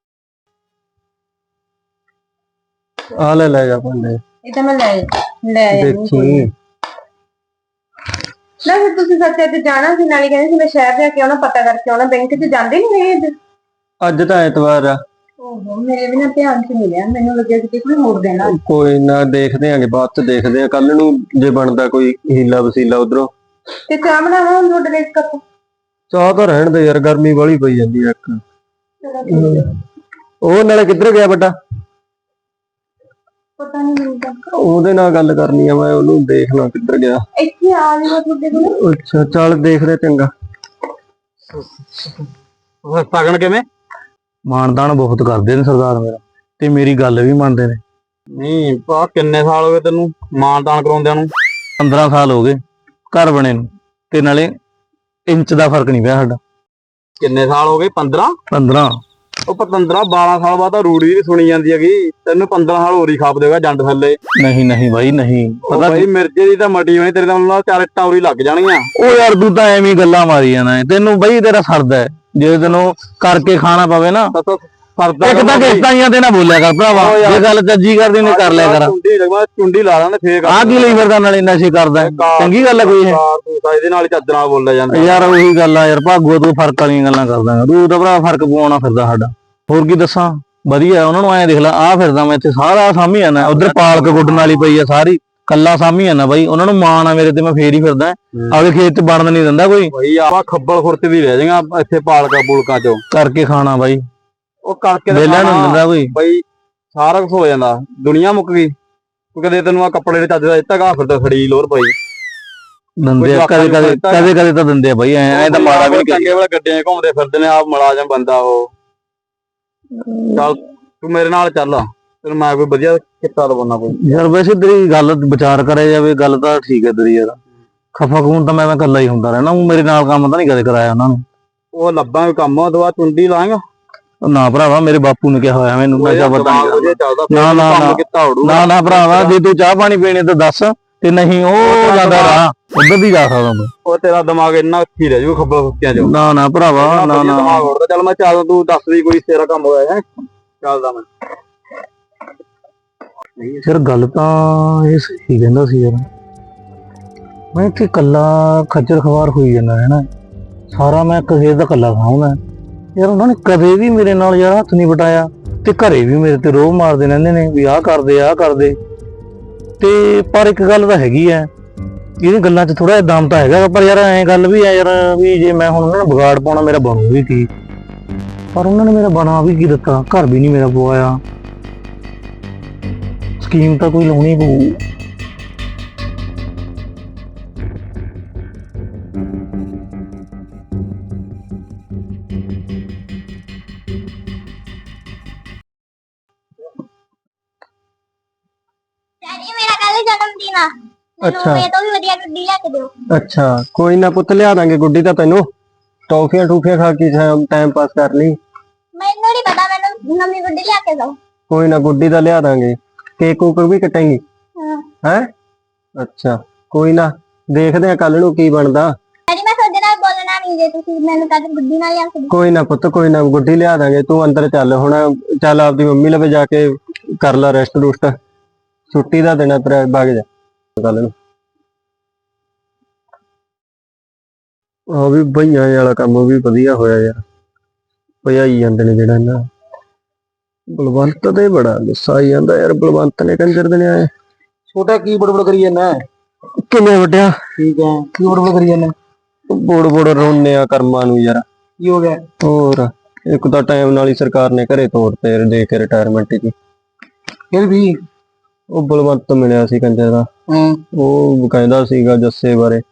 Speaker 2: ਆ ਲੈ ਲੈ ਜਾ ਭਾਂਡੇ।
Speaker 1: ਇਹ ਤਾਂ ਮੈਂ ਲੈ ਲੈ
Speaker 2: ਦੇਖੀ
Speaker 1: ਨਾ, ਫਿਰ ਤੁਸੀਂ ਸੱਚੇ ਤੇ ਜਾਣਾ ਸੀ, ਨਾਲੇ ਕਹਿੰਦੇ ਸੀ ਮੈਂ ਸ਼ਹਿਰ ਜਾ ਕੇ ਆਉਣਾ, ਪਤਾ ਕਰਕੇ ਆਉਣਾ। ਬੈਂਕ 'ਚ ਜਾਂਦੇ ਨਹੀਂ ਹੈਗੇ ਅੱਜ?
Speaker 2: ਅੱਜ ਤਾਂ ਐਤਵਾਰ ਆ।
Speaker 1: ਓਹੋ, ਮੇਰੇ ਵੀ ਨਾ ਧਿਆਨ 'ਚ ਮਿਲਿਆ, ਮੈਨੂੰ ਲੱਗਿਆ ਕਿ ਕੋਈ ਹੋਰ ਦੇਣਾ।
Speaker 2: ਕੋਈ ਨਾ, ਦੇਖਦੇ ਆਂਗੇ ਬਾਅਦ 'ਚ, ਦੇਖਦੇ ਆ ਕੱਲ ਨੂੰ ਜੇ ਬਣਦਾ ਕੋਈ ਹੀਲਾ ਵਸੀਲਾ ਉਧਰੋਂ।
Speaker 1: ਤੇ ਚਾਹ ਬਣਾਵਾਂ ਹੁਣ ਤੁਹਾਡੇ ਲਈ ਇੱਕ ਕੱਪ?
Speaker 2: ਚਾਹ ਤਾਂ ਰਹਿਣ ਦੇ ਯਾਰ, ਗਰਮੀ ਵਾਲੀ ਪਈ ਜਾਂਦੀ ਆ ਇੱਕ।
Speaker 1: ਚਲੋ ਠੀਕ ਹੈ।
Speaker 2: ਉਹ ਨਾਲੇ ਕਿੱਧਰ ਗਿਆ ਵੱਡਾ?
Speaker 1: ਪਤਾ ਨਹੀਂ ਮੈਨੂੰ ਤਾਂ,
Speaker 2: ਉਹਦੇ ਨਾਲ ਗੱਲ ਕਰਨੀ ਆ ਮੈਂ, ਉਹਨੂੰ ਦੇਖਣਾ ਕਿੱਧਰ ਗਿਆ।
Speaker 1: ਇੱਥੇ ਆ ਜਾਊਗਾ ਤੁਹਾਡੇ ਕੋਲ।
Speaker 2: ਅੱਛਾ ਚੱਲ ਦੇਖਦੇ, ਚੰਗਾ। ਸਗਣ ਕਿਵੇਂ?
Speaker 4: ਮਾਨਦਾਨ ਬਹੁਤ ਕਰਦੇ ਨੇ ਸਰਦਾਰ ਮੇਰਾ, ਤੇ ਮੇਰੀ ਗੱਲ ਵੀ ਮੰਨਦੇ ਨੇ।
Speaker 2: ਨਹੀਂ ਪਾ, ਕਿੰਨੇ ਸਾਲ ਹੋ ਗਏ ਤੈਨੂੰ ਮਾਨਦਾਨ ਕਰਾਉਂਦਿਆਂ ਨੂੰ?
Speaker 4: ਪੰਦਰਾਂ ਸਾਲ ਹੋ ਗਏ ਘਰ ਬਣੇ ਨੂੰ, ਤੇ ਨਾਲੇ
Speaker 2: ਇੰਚ ਦਾ ਫਰਕ ਨਹੀਂ ਪਿਆ ਸਾਡਾ।
Speaker 5: ਕਿੰਨੇ ਸਾਲ ਹੋ ਗਏ? ਪੰਦਰਾਂ
Speaker 2: ਪੰਦਰਾਂ।
Speaker 5: ਉਹ ਪੰਦਰਾਂ ਬਾਰਾਂ ਸਾਲ ਬਾਅਦ ਤਾਂ ਰੂੜੀ ਵੀ ਸੁਣੀ ਜਾਂਦੀ ਹੈਗੀ। ਤੈਨੂੰ ਪੰਦਰਾਂ ਸਾਲ ਹੋਰੀ ਖਾਪ ਦੇਗਾ ਜੰਡ ਥੱਲੇ।
Speaker 2: ਨਹੀਂ ਨਹੀਂ ਬਾਈ ਨਹੀਂ,
Speaker 5: ਪਤਾ ਬਾਈ ਮਿਰਜੇ ਦੀ ਤਾਂ ਮਟੀ ਹੋਣੀ ਤੇਰੇ ਨਾਲ ਚਾਰ ਇੱਟਾਂ ਉਰੀ ਲੱਗ ਜਾਣਗੀਆਂ।
Speaker 2: ਉਹ ਯਾਰ ਤੂੰ ਤਾਂ ਐਵੇਂ ਹੀ ਗੱਲਾਂ ਮਾਰੀ ਜਾਣਾ ਹੈ। ਤੈਨੂੰ ਬਈ ਤੇਰਾ ਸਰਦਾ ਹੈ, ਜੇ ਤੈਨੂੰ ਕਰਕੇ ਖਾਣਾ ਪਵੇ ਨਾ।
Speaker 5: ਫਰਦਾ
Speaker 2: ਇੱਕ ਤਾਂ ਕਿਸ਼ਤਾਂ ਤੇ ਨਾ ਬੋਲਿਆ ਕਰ ਭਰਾਵਾ, ਜੇ ਗੱਲ ਚੱਜੀ ਕਰਦੀ ਨੇ ਕਰ ਲਿਆ ਕਰ।
Speaker 5: ਚੁੰਡੀ ਲਗਵਾ ਚੁੰਡੀ ਲਾ ਲਾਂਦੇ ਫੇਕ
Speaker 2: ਆਹ ਕੀ ਲਈ ਫਿਰਦਾ ਨਾਲੇ ਨਸ਼ੇ ਕਰਦਾ? ਚੰਗੀ ਗੱਲ ਹੈ ਕੋਈ ਇਹ?
Speaker 5: ਇਹਦੇ ਨਾਲ ਚੱਦਣਾ ਬੋਲਿਆ ਜਾਂਦਾ
Speaker 2: ਯਾਰ। ਉਹੀ ਗੱਲ ਆ ਯਾਰ, ਭਾਗੋ ਤੂੰ ਫਰਕ ਵਾਲੀਆਂ ਗੱਲਾਂ ਕਰਦਾ। ਤੂੰ ਤਾਂ ਭਰਾ ਫਰਕ ਪਵਾਉਣਾ ਫਿਰਦਾ ਸਾਡਾ। ਹੋਰ ਕੀ ਦੱਸਾਂ, ਵਧੀਆ ਉਹਨਾਂ ਨੂੰ ਐਂ ਦੇਖ ਲੈ। ਆਹ ਫਿਰਦਾ ਮੈਂ ਇੱਥੇ ਸਾਰਾ ਸਾਂਭੀ ਜਾਣਾ, ਉਧਰ ਪਾਲਕ ਗੁੱਡਣ ਵਾਲੀ ਪਈ ਆ ਸਾਰੀ, ਕੱਲਾ ਸਾਂਭੀ ਜਾਣਾ ਬਾਈ। ਉਹਨਾਂ ਨੂੰ ਮਾਣ ਆ ਮੇਰੇ ਤੇ, ਮੈਂ ਫੇਰ ਹੀ ਫਿਰਦਾ। ਆਪਦੇ ਖੇਤ ਚ ਬਣਨ ਨਹੀਂ ਦਿੰਦਾ ਕੋਈ।
Speaker 5: ਬਈ ਆਪਾਂ ਖੱਬਲ ਖੁਰਤ ਵੀ ਰਹਿ ਜਾਏਗਾ ਇੱਥੇ ਪਾਲਕਾ ਪੁਲਕਾਂ ਚੋਂ
Speaker 2: ਕਰਕੇ ਖਾਣਾ ਬਾਈ,
Speaker 5: ਉਹ ਕਰਕੇ
Speaker 2: ਵੇਲਾ ਨੂੰ ਦਿੰਦਾ ਕੋਈ।
Speaker 5: ਬਈ ਸਾਰਾ ਕੁਝ ਹੋ ਜਾਂਦਾ, ਦੁਨੀਆ ਮੁੱਕ ਗਈ। ਤੂੰ ਕਦੇ ਤੈਨੂੰ ਆ ਕੱਪੜੇ ਦੇ ਚੱਜ ਦਾ ਦਿੱਤਾ ਗਾ, ਫਿਰ ਤਾਂ ਖੜੀ ਲੋਰ ਪਈ
Speaker 2: ਦਿੰਦੇ ਆ ਕਦੇ ਕਦੇ ਕਦੇ ਕਦੇ ਤਾਂ ਦਿੰਦੇ ਆ ਬਾਈ। ਐ ਐ ਤਾਂ ਮਾੜਾ ਵੀ ਨਹੀਂ
Speaker 5: ਚੰਗੇ ਵਾਲੇ ਗੱਡੀਆਂ ਘੁੰਮਦੇ ਫਿਰਦੇ ਨੇ, ਆਪ ਮੁਲਾਜ਼ਮ ਬੰਦਾ ਉਹ। ਚੱਲ ਤੂੰ ਮੇਰੇ ਨਾਲ ਚੱਲ, ਤੈਨੂੰ ਮੈਂ ਕੋਈ ਵਧੀਆ ਕਿੱਤਾ ਦਵਾਉਣਾ ਕੋਈ।
Speaker 2: ਯਾਰ ਵੈਸੇ ਤੇਰੀ ਗੱਲ ਵਿਚਾਰ ਕਰਿਆ ਜਾਵੇ, ਗੱਲ ਤਾਂ ਠੀਕ ਹੈ ਤੇਰੀ ਯਾਰ। ਖਫਾ ਖੂਨ ਤਾਂ ਮੈਂ ਮੈਂ ਇਕੱਲਾ ਹੀ ਹੁੰਦਾ ਰਹਿਣਾ, ਉਹ ਮੇਰੇ ਨਾਲ ਕੰਮ ਤਾਂ ਨਹੀਂ ਕਦੇ ਕਰਾਇਆ ਉਹਨਾਂ ਨੂੰ।
Speaker 5: ਉਹ ਲੱਭਾਂਗੇ ਕੰਮ, ਉਹ ਤੋਂ ਬਾਅਦ ਚੁੰਡੀ ਲਾਂਗਾ।
Speaker 2: ਨਾ ਭਰਾਵਾ, ਮੇਰੇ ਬਾਪੂ ਨੇ ਕਿਹਾ ਹੋਇਆ ਮੈਨੂੰ ਨਸ਼ਾ ਪਤਾ ਨਹੀਂ
Speaker 5: ਚੱਲਦਾ।
Speaker 2: ਨਾ ਨਾ ਨਾ ਨਾ ਭਰਾਵਾ, ਜੇ ਤੂੰ ਚਾਹ ਪਾਣੀ ਪੀਣੇ ਤਾਂ ਦੱਸ, ਤੇ ਨਹੀਂ ਉਹ ਜਾਂਦਾ ਰਾਹ ਉਧਰ ਦੀ ਜਾ ਸਕਦਾ ਤੂੰ।
Speaker 5: ਉਹ ਤੇਰਾ ਦਿਮਾਗ ਇੰਨਾ ਉੱਥੀ ਰਹਿ ਜੂ ਖੱਬਲ ਖੁੱਤਿਆਂ ਚੋਂ।
Speaker 2: ਨਾ ਨਾ ਭਰਾਵਾ, ਨਾ ਨਾ
Speaker 5: ਦਿਮਾਗ ਉੜਦਾ। ਚੱਲ ਮੈਂ ਚੱਲ, ਤੂੰ ਦੱਸ ਦੀ ਕੋਈ ਤੇਰਾ ਕੰਮ ਹੋਇਆ ਹੈ। ਚੱਲਦਾ ਮੈਂ।
Speaker 2: ਯਾਰ ਗੱਲ ਤਾਂ ਇਹ ਸਹੀ ਕਹਿੰਦਾ ਸੀ ਯਾਰ। ਮੈਂ ਇੱਥੇ ਕੱਲਾ ਖੱਜਲ ਖਵਾਰ ਹੋਈ ਜਾਂਦਾ ਹੈ ਨਾ, ਸਾਰਾ ਮੈਂ ਕਿਸੇ ਦਾ ਕੱਲਾ ਖਾਉਂਦਾ ਯਾਰ। ਉਹਨਾਂ ਨੇ ਕਦੇ ਵੀ ਮੇਰੇ ਨਾਲ ਯਾਰ ਹੱਥ ਨਹੀਂ ਵਟਾਇਆ, ਤੇ ਘਰੇ ਵੀ ਮੇਰੇ ਤੇ ਰੋਹ ਮਾਰਦੇ ਰਹਿੰਦੇ ਨੇ ਵੀ ਆਹ ਕਰਦੇ ਆਹ ਕਰਦੇ। ਤੇ ਪਰ ਇੱਕ ਗੱਲ ਤਾਂ ਹੈਗੀ ਐ, ਇਹਦੀ ਗੱਲਾਂ 'ਚ ਥੋੜਾ ਜਿਹਾ ਦਮ ਤਾਂ ਹੈਗਾ, ਪਰ ਯਾਰ ਐਂ ਗੱਲ ਵੀ ਐ ਯਾਰ ਵੀ ਜੇ ਮੈਂ ਹੁਣ ਉਹਨਾਂ ਨੂੰ ਵਿਗਾੜ ਪਾਉਣਾ, ਮੇਰਾ ਬਣੂ ਵੀ ਕੀ। ਪਰ ਉਹਨਾਂ ਨੇ ਮੇਰਾ ਬਣਾ ਵੀ ਕੀ ਦਿੱਤਾ, ਘਰ ਵੀ ਨਹੀਂ ਮੇਰਾ ਪਵਾਇਆ। ਸਕੀਮ ਤਾਂ ਕੋਈ ਲਾਉਣੀ ਪਊ।
Speaker 6: ਡੈਡੀ ਮੇਰਾ ਕੱਲ ਜਨਮ ਦਿਨ ਆ।
Speaker 2: ਅੱਛਾ।
Speaker 6: ਮੈਨੂੰ ਇਹ ਤੋਂ ਵੀ ਵਧੀਆ ਗੱਡੀ ਲੈ ਕੇ ਦਿਓ।
Speaker 2: ਅੱਛਾ ਕੋਈ ਨਾ ਪੁੱਤ, ਲਿਆ ਦਾਂਗੇ ਗੁੱਡੀ ਤਾਂ ਤੈਨੂੰ। ਟੌਫੀਆਂ ਟੂਫੀਆਂ ਖਾ ਕੇ ਟਾਈਮ ਪਾਸ ਕਰ ਲਈ।
Speaker 6: ਮੈਨੂੰ ਨਹੀਂ ਪਤਾ, ਮੈਨੂੰ ਨਵੀਂ ਗੱਡੀ ਲਿਆ ਕੇ ਦਿਓ।
Speaker 2: ਕੋਈ ਨਾ ਗੁੱਡੀ ਤਾਂ ਲਿਆ ਦਾਂਗੇ। ਕੇਕ ਕੂਕ ਵੀ ਕਟਾਂਗੇ
Speaker 6: ਹਾਂ।
Speaker 2: ਹੈ? ਅੱਛਾ ਕੋਈ ਨਾ, ਦੇਖਦੇ ਆ ਕੱਲ ਨੂੰ ਕੀ ਬਣਦਾ।
Speaker 6: ਡੈਡੀ ਮੈਂ ਤੁਹਾਡੇ ਨਾਲ ਬੋਲਣਾ ਨਹੀਂ, ਜੇ ਤੁਸੀਂ ਮੈਨੂੰ ਕੱਲ ਗੱਡੀ ਨਾਲ ਲਿਆ ਕੇ ਦਿਓ।
Speaker 2: ਕੋਈ ਨਾ ਪੁੱਤ, ਕੋਈ ਨਾ ਗੁੱਡੀ ਲਿਆ ਦਾਂਗੇ। ਤੂੰ ਅੰਦਰ ਚੱਲ ਹੁਣ, ਚੱਲ ਆਪਦੀ ਮੰਮੀ ਲਵੇ ਜਾ ਕੇ ਕਰ ਲੈ ਰੈਸਟ ਰੁਸਟ। ਛੁੱਟੀ ਦਾ ਦੇਣਾ ਤੇਰਾ, ਬਾਗ ਜਾ ਕੱਲ ਨੂੰ। ਆ ਵੀ ਬਈਆਂ ਵਾਲਾ ਕੰਮ ਵੀ ਵਧੀਆ ਹੋਇਆ ਯਾਰ, ਭਜਾਈ ਜਾਂਦੇ ਨੇ ਜਿਹੜਾ ਨਾ। ਬਲਵੰਤ ਤੇ ਬੜਾ ਗੁੱਸਾ ਆਈ ਜਾਂਦਾ ਯਾਰ, ਬਲਵੰਤ ਨੇ ਕੰਜਰ ਦੇ ਨੇ ਆਏ।
Speaker 5: ਛੋਟਾ ਕੀ ਬੜਬੜ ਕਰੀ ਜਾਂਦਾ?
Speaker 2: ਕਿੰਨੇ ਵੱਡਿਆ?
Speaker 5: ਠੀਕ ਹੈ, ਕੀ ਬੜਬੜ ਕਰੀ ਜਾਂਦਾ?
Speaker 2: ਬੋੜ ਬੋੜ ਰੋਨੇ ਆ ਕਰਮਾਂ ਨੂੰ ਯਾਰ।
Speaker 5: ਕੀ ਹੋ ਗਿਆ?
Speaker 2: ਹੋਰ ਇੱਕ ਤਾਂ ਟਾਈਮ ਨਾਲ ਹੀ ਸਰਕਾਰ ਨੇ ਘਰੇ ਤੋਰਤੇ ਦੇ ਕੇ ਰਿਟਾਇਰਮੈਂਟ ਦੀ।
Speaker 5: ਫਿਰ ਵੀ
Speaker 2: ਉਹ ਬਲਵੰਤ ਮਿਲਿਆ ਸੀ ਕੰਜਰ ਦਾ,
Speaker 5: ਹਾਂ।
Speaker 2: ਉਹ ਕਹਿੰਦਾ ਸੀਗਾ ਜੱਸੇ ਬਾਰੇ,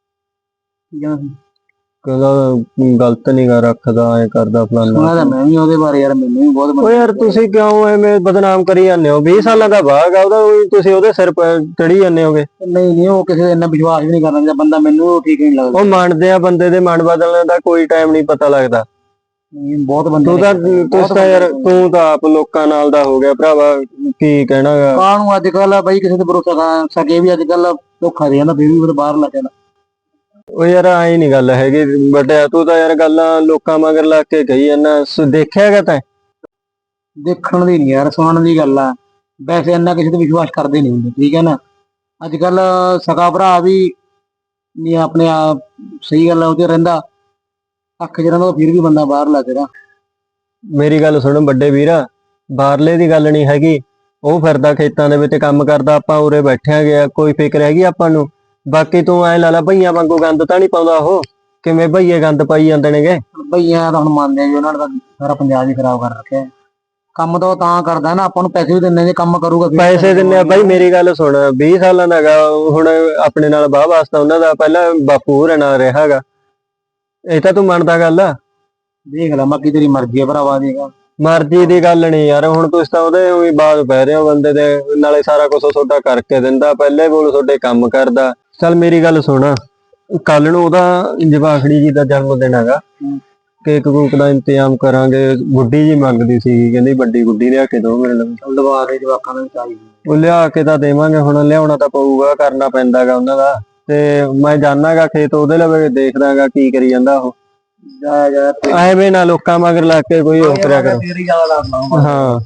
Speaker 2: ਕਹਿੰਦਾ ਗਲਤ ਨਹੀਂ ਗਾ ਰੱਖਦਾ, ਐ ਕਰਦਾ ਫਲਾਨਾ।
Speaker 5: ਮੈਂ ਵੀ ਉਹਦੇ ਬਾਰੇ ਯਾਰ, ਮੈਨੂੰ ਵੀ ਬਹੁਤ।
Speaker 2: ਓ ਯਾਰ ਤੁਸੀਂ ਕਿਉਂ ਐਵੇਂ ਬਦਨਾਮ ਕਰੀ ਜਾਂਦੇ ਹੋ? ਵੀਹ ਸਾਲਾਂ ਦਾ ਬਾਗ ਆ ਉਹਦਾ, ਤੁਸੀਂ ਉਹਦੇ ਸਿਰ ਚੜੀ ਜਾਂਦੇ ਹੋਗੇ।
Speaker 5: ਨਹੀਂ ਨਹੀਂ, ਉਹ ਕਿਸੇ ਇੰਨਾ ਵਿਸ਼ਵਾਸ ਵੀ ਨਹੀਂ ਕਰਨਾ ਚਾਹੀਦਾ ਬੰਦਾ, ਮੈਨੂੰ ਠੀਕ ਨਹੀਂ ਲੱਗਦਾ।
Speaker 2: ਉਹ ਮੰਨਦੇ ਆ, ਬੰਦੇ ਦੇ ਮਨ ਬਦਲਣ ਦਾ ਕੋਈ ਟਾਈਮ ਨਹੀਂ ਪਤਾ ਲੱਗਦਾ।
Speaker 5: ਬਹੁਤ ਬੰਦੇ
Speaker 2: ਤੂੰ ਤਾਂ ਤੁਸੀਂ ਤਾਂ ਯਾਰ, ਤੂੰ ਤਾਂ ਆਪ ਲੋਕਾਂ ਨਾਲ ਦਾ ਹੋ ਗਿਆ ਭਰਾਵਾ, ਕੀ ਕਹਿਣਾਗਾ।
Speaker 5: ਕਾਹਨੂੰ ਅੱਜ ਕੱਲ ਬਾਈ ਕਿਸੇ ਤੇ ਭਰੋਸਾ ਕਰ ਸਕੇ ਵੀ, ਅੱਜ ਕੱਲ ਧੋਖਾ ਦੇ ਜਾਂਦਾ, ਫਿਰ ਵੀ ਬਾਹਰ ਲੱਗ ਜਾਂਦਾ।
Speaker 2: ਉਹ ਯਾਰ ਐ ਨਹੀਂ ਗੱਲ ਹੈਗੀ ਬਟਿਆ, ਤੂੰ ਤਾਂ ਯਾਰ ਗੱਲਾਂ ਲੋਕਾਂ ਮਗਰ ਲੱਗ ਕੇ ਕਹੀ ਜਾਂਦਾ। ਦੇਖਿਆਗਾ ਤੈਂ?
Speaker 5: ਦੇਖਣ ਦੀ ਨਹੀਂ ਯਾਰ, ਸੁਣਨ ਦੀ ਗੱਲ ਆ। ਵੈਸੇ ਇੰਨਾ ਕਿਸੇ ਤੇ ਵਿਸ਼ਵਾਸ ਕਰਦੇ ਨਹੀਂ ਹੁੰਦੇ, ਠੀਕ ਹੈ ਨਾ। ਅੱਜ ਕੱਲ ਸਕਾ ਭਰਾ ਵੀ ਨਹੀਂ ਆਪਣੇ ਆਪ ਸਹੀ ਗੱਲ ਉਹ ਤੇ ਰਹਿੰਦਾ, ਅੱਖ ਚ ਰਹਿੰਦਾ, ਫਿਰ ਵੀ ਬੰਦਾ ਬਾਹਰ ਲੱਗ ਰਿਹਾ।
Speaker 2: ਮੇਰੀ ਗੱਲ ਸੁਣ ਵੱਡੇ ਵੀਰਾ, ਬਾਹਰਲੇ ਦੀ ਗੱਲ ਨਹੀਂ ਹੈਗੀ। ਉਹ ਫਿਰਦਾ ਖੇਤਾਂ ਦੇ ਵਿੱਚ ਕੰਮ ਕਰਦਾ, ਆਪਾਂ ਉਰੇ ਬੈਠਿਆ ਗਿਆ, ਕੋਈ ਫਿਕਰ ਹੈਗੀ ਆਪਾਂ ਨੂੰ? ਬਾਕੀ ਤੂੰ ਐ ਲਾ ਲਾ, ਭਈਆਂ ਵਾਂਗੂ ਗੰਦ ਤਾਂ ਨਹੀਂ ਪਾਉਂਦਾ ਉਹ। ਕਿਵੇਂ ਭਈਏ ਗੰਦ ਪਾਈ ਜਾਂਦੇ ਨੇਗੇ?
Speaker 5: ਭਈਆਂ ਤਾਂ ਹੁਣ ਮੰਨਦੇ ਆ ਜੀ, ਉਹਨਾਂ ਨੇ ਤਾਂ ਸਾਰਾ ਪੰਜਾਬ ਹੀ ਖਰਾਬ ਕਰ ਰੱਖਿਆ। ਕੰਮ ਤਾਂ ਉਹ ਤਾਂ ਕਰਦਾ ਨਾ, ਆਪਾਂ ਨੂੰ ਪੈਸੇ ਵੀ ਦਿੰਦੇ, ਜੇ ਕੰਮ ਕਰੂਗਾ ਫਿਰ
Speaker 2: ਪੈਸੇ ਦਿੰਦੇ ਆ ਬਾਈ। ਮੇਰੀ ਗੱਲ ਸੁਣ, ਵੀਹ ਸਾਲਾਂ ਦਾ ਹੈਗਾ ਹੁਣ, ਆਪਣੇ ਨਾਲ ਬਾਹ ਵਾਸਤਾ ਉਹਨਾਂ ਦਾ ਪਹਿਲਾਂ ਬਾਪੂ ਹੋਰਾਂ ਨਾਲ ਰਿਹਾ ਹੈਗਾ। ਇਹ ਤਾਂ ਤੂੰ ਮੰਨਦਾ ਗੱਲ ਆ?
Speaker 5: ਦੇਖ ਲੈ, ਬਾਕੀ ਤੇਰੀ ਮਰਜ਼ੀ ਆ ਭਰਾਵਾ। ਦੇਖ
Speaker 2: ਮਰਜ਼ੀ ਦੀ ਗੱਲ ਨਹੀਂ ਯਾਰ, ਹੁਣ ਤੁਸੀਂ ਤਾਂ ਉਹਦੇ ਵੀ ਬਾਤ ਪੈ ਰਹੇ ਹੋ ਬੰਦੇ ਦੇ। ਨਾਲੇ ਸਾਰਾ ਕੁਝ ਤੁਹਾਡਾ ਕਰਕੇ ਦਿੰਦਾ, ਪਹਿਲੇ ਬੋਲ ਤੁਹਾਡੇ ਕੰਮ ਕਰਦਾ। ਚੱਲ ਮੇਰੀ ਗੱਲ ਸੁਣ, ਕੱਲ ਨੂੰ ਉਹਦਾ ਜਵਾਖੜੀ ਜੀ ਦਾ ਜਨਮ ਦਿਨ ਹੈਗਾ, ਕੇਕ ਕੂਕ ਦਾ ਇੰਤਜ਼ਾਮ ਕਰਾਂਗੇ। ਗੁੱਡੀ ਜੀ ਮੰਗਦੀ ਸੀ, ਕਹਿੰਦੀ ਵੱਡੀ ਗੁੱਡੀ ਲਿਆ ਕੇ ਦਿਓ ਮੇਰੇ ਲਈ।
Speaker 5: ਲਵਾ ਦੇ ਜਵਾਕਾਂ ਨੂੰ ਚਾਹੀਦੀ।
Speaker 2: ਉਹ ਲਿਆ ਕੇ ਤਾਂ ਦੇਵਾਂਗੇ, ਹੁਣ ਲਿਆਉਣਾ ਤਾਂ ਪਊਗਾ, ਕਰਨਾ ਪੈਂਦਾਗਾ ਉਹਨਾਂ ਦਾ। ਤੇ ਮੈਂ ਜਾਣਾਗਾ ਖੇਤ ਉਹਦੇ ਲਵੇ, ਦੇਖਦਾਗਾ ਕੀ ਕਰੀ ਜਾਂਦਾ ਉਹ।
Speaker 5: ਜਾ ਜਾ
Speaker 2: ਐਵੇਂ ਨਾ ਲੋਕਾਂ ਮਗਰ ਲੱਗ ਕੇ ਕੋਈ ਹੋ ਕਰਿਆ ਕਰੋ। ਹਾਂ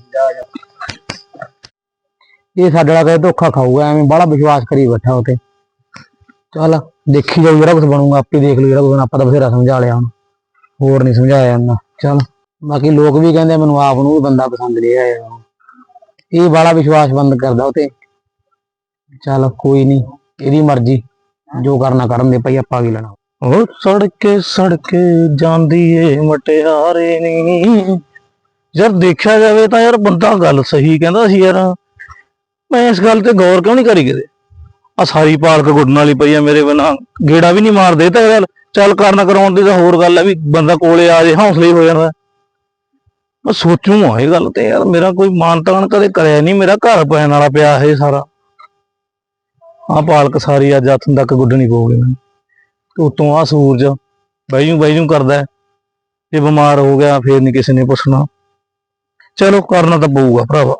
Speaker 5: ਇਹ ਸਾਡੇ ਨਾਲ ਕਦੇ ਧੋਖਾ ਖਾਊਗਾ, ਐਵੇਂ ਬੜਾ ਵਿਸ਼ਵਾਸ ਕਰੀ ਬੈਠਾ ਉਹ ਤੇ। ਚੱਲ ਦੇਖੀ ਜਾਊ, ਜਿਹੜਾ ਕੁਝ ਬਣੂਗਾ ਆਪੇ ਦੇਖ ਲੂ, ਜਿਹੜਾ ਕੁਝ ਆਪਾਂ ਤਾਂ ਬਥੇਰਾ ਸਮਝਾ ਲਿਆ ਹੁਣ, ਹੋਰ ਨਹੀਂ ਸਮਝਾਇਆ ਜਾਂਦਾ। ਚੱਲ ਬਾਕੀ ਲੋਕ ਵੀ ਕਹਿੰਦੇ ਮੈਨੂੰ ਆਪ ਨੂੰ ਵੀ ਬੰਦਾ ਪਸੰਦ ਨਹੀਂ ਆਇਆ, ਇਹ ਬੜਾ ਵਿਸ਼ਵਾਸ ਬੰਦ ਕਰਦਾ ਉਹ ਤੇ। ਚੱਲ ਕੋਈ ਨਹੀਂ, ਇਹਦੀ ਮਰਜ਼ੀ, ਜੋ ਕਰਨਾ ਕਰਨ ਦੇ ਭਾਈ, ਆਪਾਂ ਕੀ ਲੈਣਾ।
Speaker 4: ਉਹ ਸੜਕੇ ਸੜਕੇ ਜਾਂਦੀ ਏ ਮਟਿਆਰੇ ਨੀ। ਯਾਰ ਦੇਖਿਆ ਜਾਵੇ ਤਾਂ ਯਾਰ ਬੰਦਾ ਗੱਲ ਸਹੀ ਕਹਿੰਦਾ ਸੀ ਯਾਰ, ਮੈਂ ਇਸ ਗੱਲ ਤੇ ਗੌਰ ਕਿਉਂ ਨਹੀਂ ਕਰੀ ਕਿਤੇ। ਆ ਸਾਰੀ ਪਾਲਕ ਗੁੱਡਣ ਵਾਲੀ ਪਈ ਆ ਮੇਰੇ ਬਿਨਾਂ, ਗੇੜਾ ਵੀ ਨਹੀਂ ਮਾਰਦੇ। ਤਾਂ ਗੱਲ ਚੱਲ ਕਰਨ ਕਰਾਉਣ ਦੀ ਤਾਂ ਹੋਰ ਗੱਲ ਹੈ ਵੀ ਬੰਦਾ ਕੋਲੇ ਆ ਜੇ ਹੌਸਲੇ ਹੀ ਹੋ ਜਾਂਦਾ। ਮੈਂ ਸੋਚੂ ਆ ਇਹ ਗੱਲ ਤੇ ਯਾਰ, ਮੇਰਾ ਕੋਈ ਮਾਨ ਤਾਨ ਕਦੇ ਕਰਿਆ ਨਹੀਂ, ਮੇਰਾ ਘਰ ਪੈਣ ਵਾਲਾ ਪਿਆ ਇਹ ਸਾਰਾ। ਆਹ ਪਾਲਕ ਸਾਰੀ ਅੱਜ ਹੱਥ ਤੱਕ ਗੁੱਡਣੀ ਪਊਗੀ ਮੈਨੂੰ। ਉਤੋਂ ਆ ਸੂਰਜ ਬੈਜੂ ਬੈਜੂ ਕਰਦਾ, ਜੇ ਬਿਮਾਰ ਹੋ ਗਿਆ ਫੇਰ ਨਹੀਂ ਕਿਸੇ ਨੇ ਪੁੱਛਣਾ। ਚਲੋ ਕਰਨਾ ਤਾਂ ਪਊਗਾ ਭਰਾਵਾ।